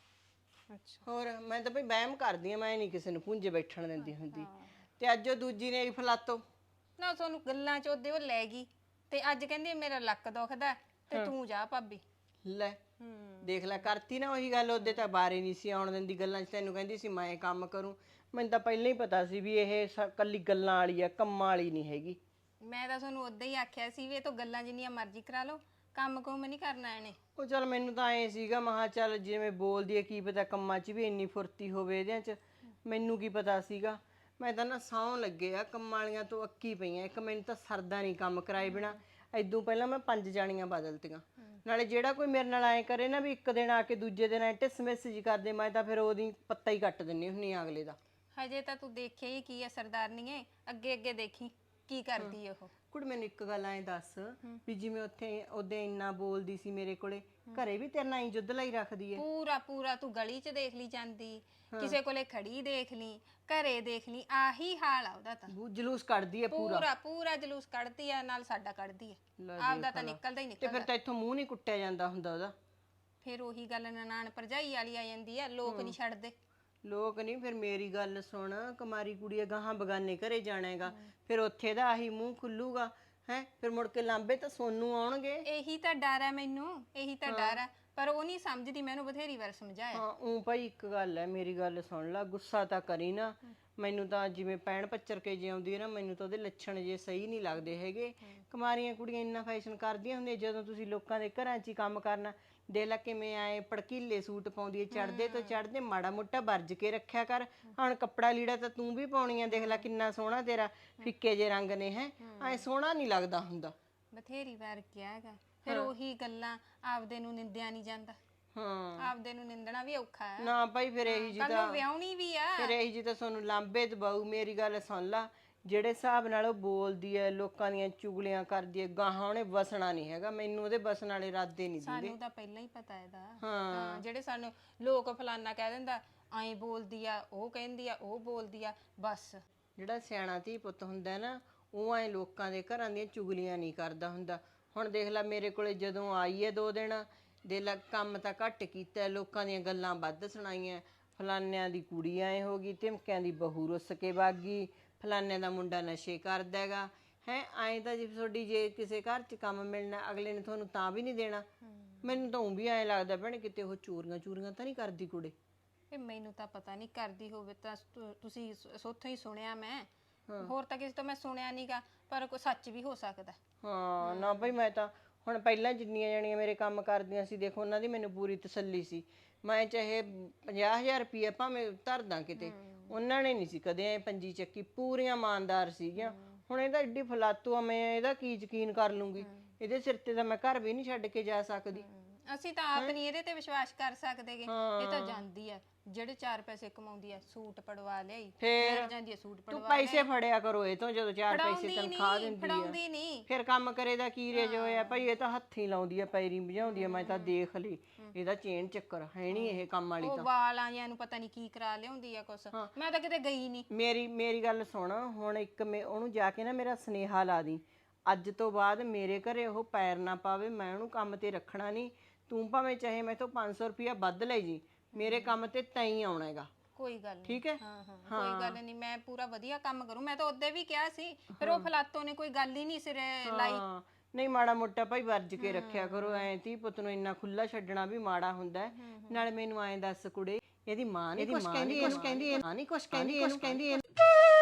Speaker 4: ਅੱਛਾ।
Speaker 2: ਹੋਰ ਮੈਂ ਤਾਂ ਭਈ ਵਹਿਮ ਕਰਦੀ ਆ, ਮੈਂ ਨਹੀਂ ਕਿਸੇ ਨੂੰ ਪੁੰਜੇ ਬੈਠਣ ਦਿੰਦੀ ਹੁੰਦੀ। ਤੇ ਅੱਜ ਉਹ ਦੂਜੀ ਨੇ ਫਲਾਤੋ
Speaker 4: ਨਾ ਤੁਹਾਨੂੰ ਗੱਲਾਂ ਚ ਉਹਦੇ ਉਹ ਲੈ ਗਈ ਤੇ ਅੱਜ ਕਹਿੰਦੀ ਮੇਰਾ ਲੱਕ ਦੁਖਦਾ ਤੇ ਤੂੰ ਜਾ ਭਾਬੀ।
Speaker 2: ਲੈ ਦੇਖ ਲੈ, ਕਰਤੀ ਨਾ ਉਹੀ ਗੱਲ। ਉਹਦੇ ਤਾਂ ਬਾਰੇ ਨਹੀਂ ਸੀ ਆਉਣ ਦਿੰਦੀ ਗੱਲਾਂ 'ਚ। ਤੈਨੂੰ ਕਹਿੰਦੀ ਸੀ ਮੈਂ ਕੰਮ ਕਰੂੰ। ਮੈਨੂੰ ਤਾਂ ਪਹਿਲਾਂ ਹੀ ਪਤਾ ਸੀ ਵੀ ਇਹ ਕੱਲੀ ਗੱਲਾਂ ਵਾਲੀ ਆ, ਕੰਮਾਂ ਵਾਲੀ ਨਹੀਂ ਹੈਗੀ।
Speaker 4: ਮੈਂ ਤਾਂ ਤੁਹਾਨੂੰ ਉਦਾਂ ਹੀ ਆਖਿਆ ਸੀ ਵੀ ਇਹ ਤਾਂ ਗੱਲਾਂ ਜਿੰਨੀਆਂ ਮਰਜ਼ੀ ਕਰਾ ਲਓ, ਕੰਮ ਕੁਮ ਨਹੀਂ ਕਰਨਾ ਇਹਨੇ।
Speaker 2: ਉਹ ਚੱਲ ਮੈਨੂੰ ਤਾਂ ਐ ਸੀਗਾ, ਮਹਾ ਚੱਲ ਜਿਵੇਂ ਬੋਲਦੀ ਹੈ, ਕੀ ਪਤਾ ਕੰਮਾਂ 'ਚ ਵੀ ਇੰਨੀ ਫੁਰਤੀ ਹੋਵੇ ਇਹਦਿਆਂ 'ਚ। ਮੈਨੂੰ ਕੀ ਪਤਾ ਸੀਗਾ। ਮੈਂ ਤਾਂ ਨਾ ਸਹੁੰ ਲੱਗੇ ਆ, ਕੰਮਾਂ ਵਾਲੀਆਂ ਤੋਂ ਅੱਕੀ ਪਈਆਂ। ਇੱਕ ਮੈਨੂੰ ਤਾਂ ਸਰਦਾ ਨਹੀਂ ਕੰਮ ਕਰਾਏ ਬਿਨਾ। ਇਦੋਂ ਪਹਿਲਾਂ ਮੈਂ 5 ਜਾਣੀਆਂ ਬਦਲਤੀਆਂ। ਨਾਲੇ ਜਿਹੜਾ ਕੋਈ ਮੇਰੇ ਨਾਲ ਐ ਕਰੇ ਨਾ ਵੀ ਇੱਕ ਦਿਨ ਆ ਕੇ ਦੂਜੇ ਦਿਨ ਐ ਟਿਸਮਿਸ ਜੀ ਕਰਦੇ, ਮੈਂ ਤਾਂ ਫਿਰ ਉਹਦੀ ਪੱਤਾ ਹੀ ਕੱਟ ਦਿੰਨੀ ਹੁੰਨੀ ਆ ਅਗਲੇ ਦਾ।
Speaker 4: ਹਜੇ ਤਾਂ ਤੂੰ ਦੇਖਿਆ ਹੀ ਕੀ ਆ ਸਰਦਾਰਨੀਏ, ਅੱਗੇ ਅੱਗੇ ਦੇਖੀ ਕੀ ਕਰਦੀ ਉਹ।
Speaker 2: ਕੁੜ ਮੈਨੂੰ ਇੱਕ ਗੱਲ ਐ ਦੱਸ ਵੀ ਜਿਵੇਂ ਉੱਥੇ ਉਹਦੇ ਇੰਨਾ ਬੋਲਦੀ ਸੀ ਮੇਰੇ ਕੋਲੇ, ਘਰੇ ਵੀ ਤੇਰੇ ਨਾਲ ਹੀ ਜੁੱਧ ਲਈ ਰੱਖਦੀ ਐ?
Speaker 4: ਪੂਰਾ ਪੂਰਾ ਤੂੰ ਗਲੀ 'ਚ ਦੇਖ ਲਈ ਜਾਂਦੀ, ਕਿਸੇ ਕੋਲੇ ਖੜੀ ਦੇਖ ਲਈ, ਘਰੇ ਦੇਖ ਲਈ, ਆਹੀ ਹਾਲ ਆ ਉਹਦਾ ਤਾਂ।
Speaker 2: ਉਹ ਜਲੂਸ ਕੱਢਦੀ ਐ ਪੂਰਾ।
Speaker 4: ਪੂਰਾ ਪੂਰਾ ਜਲੂਸ ਕੱਢਦੀ ਆ, ਨਾਲ ਸਾਡਾ ਕੱਢਦੀ ਆ। ਆਪਦਾ ਤਾਂ ਨਿਕਲਦਾ ਹੀ
Speaker 2: ਤੇ
Speaker 4: ਨਿਕਲਦਾ।
Speaker 2: ਫਿਰ ਤਾਂ ਇੱਥੋਂ ਮੂੰਹ ਨਹੀਂ ਕੁੱਟਿਆ ਜਾਂਦਾ ਹੁੰਦਾ ਉਹਦਾ।
Speaker 4: ਫਿਰ ਉਹੀ ਗੱਲ ਨਨਾਣ ਭਰਜਾਈ ਵਾਲੀ ਆ ਜਾਂਦੀ ਆ, ਲੋਕ ਨਹੀਂ ਛੱਡਦੇ।
Speaker 2: ਲੋਕ ਨਹੀਂ। ਫਿਰ ਮੇਰੀ ਗੱਲ ਸੁਣ, ਕੁਮਾਰੀ ਕੁੜੀ ਗਾਹਾਂ ਬਗਾਨੇ ਘਰੇ ਜਾਣਾ ਹੈਗਾ, ਫਿਰ ਉੱਥੇ ਦਾ ਆਹੀ ਮੂੰਹ ਖੁੱਲੂਗਾ ਹੈ। ਫਿਰ ਮੁੜ ਕੇ ਲਾਂਬੇ ਤਾਂ ਸੋਨੂੰ ਆਉਣਗੇ।
Speaker 4: ਇਹੀ ਤਾਂ ਡਰ ਹੈ ਮੈਨੂੰ, ਇਹੀ ਤਾਂ ਡਰ ਹੈ। ਪਰ ਉਹ ਨਹੀਂ ਸਮਝਦੀ, ਮੈਨੂੰ ਬਥੇਰੀ ਵਾਰ ਸਮਝਾਇਆ।
Speaker 2: ਹਾਂ ਉਹ ਭਾਈ ਇੱਕ ਗੱਲ ਹੈ, ਮੇਰੀ ਗੱਲ ਸੁਣ ਲੈ, ਗੁੱਸਾ ਤਾਂ ਕਰੀ ਨਾ। ਮੈਨੂੰ ਤਾਂ ਜਿਵੇਂ ਪੈਣ ਪੱਚਰ ਕੇ ਜੇ ਆਉਂਦੀ ਹੈ ਨਾ, ਮੈਨੂੰ ਤਾਂ ਉਹਦੇ ਲੱਛਣ ਜੇ ਸਹੀ ਨਹੀਂ ਲੱਗਦੇ ਹੈਗੇ। ਕੁਮਾਰੀਆਂ ਕੁੜੀਆਂ ਇੰਨਾ ਫੈਸ਼ਨ ਕਰਦੀਆਂ ਹੁੰਦੀਆਂ, ਜਦੋਂ ਤੁਸੀਂ ਲੋਕਾਂ ਦੇ ਘਰਾਂ 'ਚ ਹੀ ਕੰਮ ਕਰਨਾ। ਦੇਖ ਲੈ ਕਿਵੇਂ ਆਏ ਭੜਕੀਲੇ ਸੂਟ ਪਾਉਂਦੀ ਹੈ, ਚੜਦੇ ਤੋਂ ਚੜਦੇ। ਮਾੜਾ ਮੋਟਾ ਵਰਜ ਕੇ ਰੱਖਿਆ ਕਰ। ਹੁਣ ਕੱਪੜਾ ਲੀੜਾ ਤਾਂ ਤੂੰ ਵੀ ਪਾਉਣੀ ਆ, ਦੇਖ ਲੈ ਕਿੰਨਾ ਸੋਹਣਾ ਤੇਰਾ ਫਿੱਕੇ ਜੇ ਰੰਗ ਨੇ ਹੈ, ਐ ਸੋਹਣਾ ਨਹੀਂ ਲੱਗਦਾ ਹੁੰਦਾ।
Speaker 4: ਬਥੇਰੀ ਵਾਰ ਕਿਹਾ ਹੈਗਾ, ਫਿਰ ਉਹੀ ਗੱਲਾਂ, ਆਪਦੇ ਨੂੰ ਨਿੰਦਿਆ ਨਹੀਂ ਜਾਂਦਾ।
Speaker 2: ਹਾਂ
Speaker 4: ਆਪਦੇ ਨੂੰ ਨਿੰਦਣਾ ਵੀ ਔਖਾ ਹੈ
Speaker 2: ਨਾ ਭਾਈ। ਫਿਰ ਇਹੀ ਜੀ
Speaker 4: ਕੱਲ ਨੂੰ ਵਿਆਹਣੀ ਵੀ ਆ।
Speaker 2: ਫਿਰ ਇਹੀ ਜੀ ਤਾਂ ਤੁਹਾਨੂੰ ਲਾਂਬੇ ਦਬਾਊ। ਮੇਰੀ ਗੱਲ ਸੁਣ ਲਾ, ਜਿਹੜੇ ਹਿਸਾਬ ਨਾਲ ਉਹ ਬੋਲਦੀ ਐ, ਲੋਕਾਂ ਦੀਆਂ ਚੁਗਲੀਆਂ ਕਰਦੀ ਐ, ਗਾਹਾਂ ਉਹਨੇ ਵਸਣਾ ਨਹੀਂ ਹੈਗਾ। ਮੈਨੂੰ ਉਹਦੇ ਵਸਣ ਵਾਲੇ ਇਰਾਦੇ ਨਹੀਂ ਦਿੰਦੇ।
Speaker 4: ਸਾਨੂੰ ਤਾਂ ਪਹਿਲਾਂ ਹੀ ਪਤਾ ਇਹਦਾ। ਹਾਂ ਜਿਹੜੇ ਸਾਨੂੰ ਲੋਕ ਫਲਾਨਾ ਕਹਿ ਦਿੰਦਾ, ਐਂ ਬੋਲਦੀ ਆ, ਉਹ ਕਹਿੰਦੀ ਆ, ਉਹ ਬੋਲਦੀ ਆ, ਬਸ।
Speaker 2: ਜਿਹੜਾ ਸਿਆਣਾ ਧੀ ਪੁੱਤ ਹੁੰਦਾ ਨਾ, ਉਹ ਐ ਲੋਕਾਂ ਦੇ ਘਰਾਂ ਦੀਆਂ ਚੁਗਲੀਆਂ ਨਹੀਂ ਕਰਦਾ ਹੁੰਦਾ। ਹੁਣ ਦੇਖ ਲੈ ਮੇਰੇ ਕੋਲੇ ਜਦੋਂ ਆਈ ਐ 2 ਦਿਨ, ਦੇ ਲੈ ਕੰਮ ਤਾਂ ਘੱਟ ਕੀਤਾ, ਲੋਕਾਂ ਦੀਆਂ ਗੱਲਾਂ ਵੱਧ ਸੁਣਾਈਆਂ। ਫਲਾਨਿਆਂ ਦੀ ਕੁੜੀ ਐ ਹੋ ਗਈ, ਧਮਕਿਆਂ ਦੀ ਬਹੂ ਰੁੱਸ ਕੇ ਵਗ ਗਈ, ਫਲਾਨਿਆਂ ਦਾ ਮੁੰਡਾ ਨਸ਼ੇ ਕਰਦਾ ਹੈਗਾ ਹੈ। ਐਂ ਤਾਂ ਜੇ ਤੁਹਾਡੀ ਜੇ ਕਿਸੇ ਘਰ 'ਚ ਕੰਮ ਮਿਲਣਾ, ਅਗਲੇ ਨੇ ਤੁਹਾਨੂੰ ਤਾਂ ਵੀ ਨਹੀਂ ਦੇਣਾ। ਮੈਨੂੰ ਤਾਂ ਵੀ ਐਂ ਲੱਗਦਾ ਭੈਣ ਕਿਤੇ ਉਹ ਚੋਰੀਆਂ ਤਾਂ ਨਹੀਂ ਕਰਦੀ ਕੁੜੇ।
Speaker 4: ਇਹ ਮੈਨੂੰ ਤਾਂ ਪਤਾ ਨਹੀਂ, ਕਰਦੀ ਹੋਵੇ ਤਾਂ ਤੁਸੀਂ ਸੋਥੋਂ ਹੀ ਸੁਣਿਆ ਮੈਂ, ਹੋਰ ਤਾਂ ਕਿਸੇ ਤੋਂ ਮੈਂ ਸੁਣਿਆ ਨਹੀਂਗਾ, ਪਰ ਕੋਈ ਸੱਚ ਵੀ ਹੋ ਸਕਦਾ।
Speaker 2: ਹਾਂ ਨਾ ਭਾਈ, ਮੈਂ ਤਾਂ ਹੁਣ ਪਹਿਲਾਂ ਜਿੰਨੀਆਂ ਜਣੀਆਂ ਮੇਰੇ ਕੰਮ ਕਰਦੀਆਂ ਸੀ, ਦੇਖੋ ਉਹਨਾਂ ਦੀ ਮੈਨੂੰ ਪੂਰੀ ਤਸੱਲੀ ਸੀ। ਮੈਂ ਚਾਹੇ 50,000 ਰੁਪਏ ਭਾਵੇਂ ਧਰਦਾ ਕਿਤੇ, ਉਹਨਾਂ ਨੇ ਨਹੀਂ ਸੀ ਕਦੇ ਐ ਪੰਜੀ ਚੱਕੀ। ਪੂਰੀਆਂ ਇਮਾਨਦਾਰ ਸੀਗੀਆਂ। ਹੁਣ ਇਹਦਾ ਐਡੀ ਫਲਾਤੂ ਆ, ਮੈਂ ਇਹਦਾ ਕੀ ਯਕੀਨ ਕਰ ਲੂੰਗੀ? ਇਹਦੇ ਸਿਰ ਤੇ ਤਾਂ ਮੈਂ ਘਰ ਵੀ ਨਹੀਂ ਛੱਡ ਕੇ ਜਾ ਸਕਦੀ।
Speaker 4: ਅਸੀਂ ਤਾਂ ਆਪ ਨਹੀਂ ਇਹਦੇ ਤੇ ਵਿਸ਼ਵਾਸ ਕਰ ਸਕਦੇਗੇ। ਇਹ ਤਾਂ ਜਾਂਦੀ ਆ, ਜਿਹੜੇ 4 ਪੈਸੇ ਕਮਾਉਂਦੀ ਆ, ਸੂਟ ਪੜਵਾ ਲਿਆਈ, ਫਿਰ ਜਾਂਦੀ ਆ ਸੂਟ
Speaker 2: ਤੂੰ
Speaker 4: ਪੜਵਾ।
Speaker 2: ਪੈਸੇ ਫੜਿਆ ਕਰੋ ਇਹ ਤੋਂ, ਜਦੋਂ 4 ਪੈਸੇ ਤਨਖਾਹ ਦਿੰਦੀ
Speaker 4: ਫੜਾਉਂਦੀ
Speaker 2: ਆ।
Speaker 4: ਨਹੀਂ।
Speaker 2: ਫਿਰ ਕੰਮ ਕਰੇ ਦਾ ਕੀ ਰੇਜ ਹੋਇਆ ਭਾਈ? ਇਹ ਤਾਂ ਹੱਥੀਂ ਲਾਉਂਦੀ ਆ, ਪੈਰੀ ਭਜਾਉਂਦੀ ਆ। ਮੈਂ ਤਾਂ ਦੇਖ ਲਈ ਇਹਦਾ ਚੇਨ ਚੱਕਰ ਹੈ ਨਹੀਂ ਇਹ ਕੰਮ ਵਾਲੀ
Speaker 4: ਉਹ
Speaker 2: ਤਾਂ।
Speaker 4: ਵਾਲਾਂ ਜਿਆਂ ਨੂੰ ਪਤਾ ਨਹੀਂ ਕੀ ਕਰਾ ਲਿਆਉਂਦੀ ਆ ਕੁਛ। ਮੈਂ ਤਾਂ ਕਿਤੇ ਗਈ ਨਹੀਂ।
Speaker 2: ਮੇਰੀ ਗੱਲ ਸੁਣ, ਹੁਣ ਇੱਕ ਉਹਨੂੰ ਜਾ ਕੇ ਨਾ ਮੇਰਾ ਸੁਨੇਹਾ ਲਾ ਦੀ, ਅੱਜ ਤੋਂ ਬਾਅਦ ਮੇਰੇ ਘਰੇ ਉਹ ਪੈਰ ਨਾ ਪਾਵੇ। ਮੈਂ ਉਹਨੂੰ ਕੰਮ ਤੇ ਰੱਖਣਾ ਨਹੀਂ। ਤੂੰ ਭਾਵੇਂ ਚਾਹੇ ਮੈਥੋਂ 500 ਰੁਪਇਆ ਵੱਧ ਲੈ ਜੀ, ਮੇਰੇ ਕੰਮ ਤੇ ਤੈਂ ਹੀ ਆਉਣਾ ਹੈਗਾ।
Speaker 4: ਕੋਈ ਗੱਲ ਨਹੀਂ।
Speaker 2: ਠੀਕ ਹੈ?
Speaker 4: ਹਾਂ ਕੋਈ ਗੱਲ ਨਹੀਂ, ਮੈਂ ਪੂਰਾ ਵਧੀਆ ਕੰਮ ਕਰੂੰ। ਮੈਂ ਤਾਂ ਉਹਦੇ ਵੀ ਕਿਹਾ ਸੀ, ਫਿਰ ਉਹ ਫਲਾਤੋਂ ਨੇ ਕੋਈ ਗੱਲ ਹੀ ਨਹੀਂ ਸਿਰੇ ਲਾਈ।
Speaker 2: ਨਹੀਂ ਮਾੜਾ ਮੋਟਾ ਭਾਈ ਵਰਜ ਕੇ ਰੱਖਿਆ ਕਰੋ। ਐ ਧੀ ਪੁੱਤ ਨੂੰ ਇੰਨਾ ਖੁੱਲਾ ਛੱਡਣਾ ਵੀ ਮਾੜਾ ਹੁੰਦਾ। ਨਾਲੇ ਮੈਨੂੰ ਐਂ ਦੱਸ ਕੁੜੇ, ਇਹਦੀ ਮਾਂ ਨਹੀਂ ਕੁਛ ਕਹਿੰਦੀ?